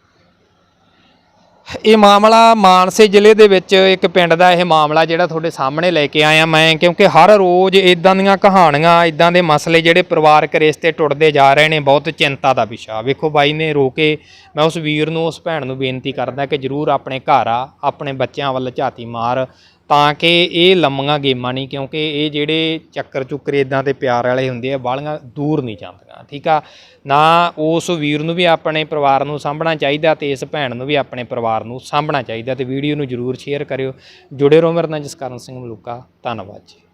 ਇਹ ਮਾਮਲਾ ਮਾਨਸੇ ਜ਼ਿਲ੍ਹੇ ਦੇ ਵਿੱਚ ਇੱਕ ਪਿੰਡ ਦਾ ਇਹ ਮਾਮਲਾ ਜਿਹੜਾ ਤੁਹਾਡੇ ਸਾਹਮਣੇ ਲੈ ਕੇ ਆਇਆ ਮੈਂ, ਕਿਉਂਕਿ ਹਰ ਰੋਜ਼ ਇਦਾਂ ਦੀਆਂ ਕਹਾਣੀਆਂ, ਇਦਾਂ ਦੇ ਮਸਲੇ ਜਿਹੜੇ ਪਰਿਵਾਰਕ ਰਿਸ਼ਤੇ ਟੁੱਟਦੇ ਜਾ ਰਹੇ ਨੇ, ਬਹੁਤ ਚਿੰਤਾ ਦਾ ਵਿਸ਼ਾ। ਵੇਖੋ ਬਾਈ ਨੇ ਰੋ ਕੇ, ਮੈਂ ਉਸ ਵੀਰ ਨੂੰ, ਉਸ ਭੈਣ ਨੂੰ ਬੇਨਤੀ ਕਰਦਾ ਕਿ ਜ਼ਰੂਰ ਆਪਣੇ ਘਰ ਆ, ਆਪਣੇ ਬੱਚਿਆਂ ਵੱਲ ਝਾਤੀ ਮਾਰ, ਤਾਂ ਕਿ ਇਹ ਲੰਮੀਆਂ ਗੇਮਾਂ ਨਹੀਂ, ਕਿਉਂਕਿ ਇਹ ਜਿਹੜੇ ਚੱਕਰ ਚੁੱਕਰ ਇੱਦਾਂ ਦੇ ਪਿਆਰ ਵਾਲੇ ਹੁੰਦੇ ਆ ਬਾਹਲੀਆਂ ਦੂਰ ਨਹੀਂ ਜਾਂਦੀਆਂ, ਠੀਕ ਆ ਨਾ। ਉਸ ਵੀਰ ਨੂੰ ਵੀ ਆਪਣੇ ਪਰਿਵਾਰ ਨੂੰ ਸਾਂਭਣਾ ਚਾਹੀਦਾ, ਤੇ ਇਸ ਭੈਣ ਨੂੰ ਵੀ ਆਪਣੇ ਪਰਿਵਾਰ ਨੂੰ ਸਾਂਭਣਾ ਚਾਹੀਦਾ। ਤੇ ਵੀਡੀਓ ਨੂੰ ਜ਼ਰੂਰ ਸ਼ੇਅਰ ਕਰਿਓ। ਜੁੜੇ ਰਹੋ ਮੇਰੇ ਨਾਲ, ਜਸਕਰਨ ਸਿੰਘ ਮਲੂਕਾ। ਧੰਨਵਾਦ ਜੀ।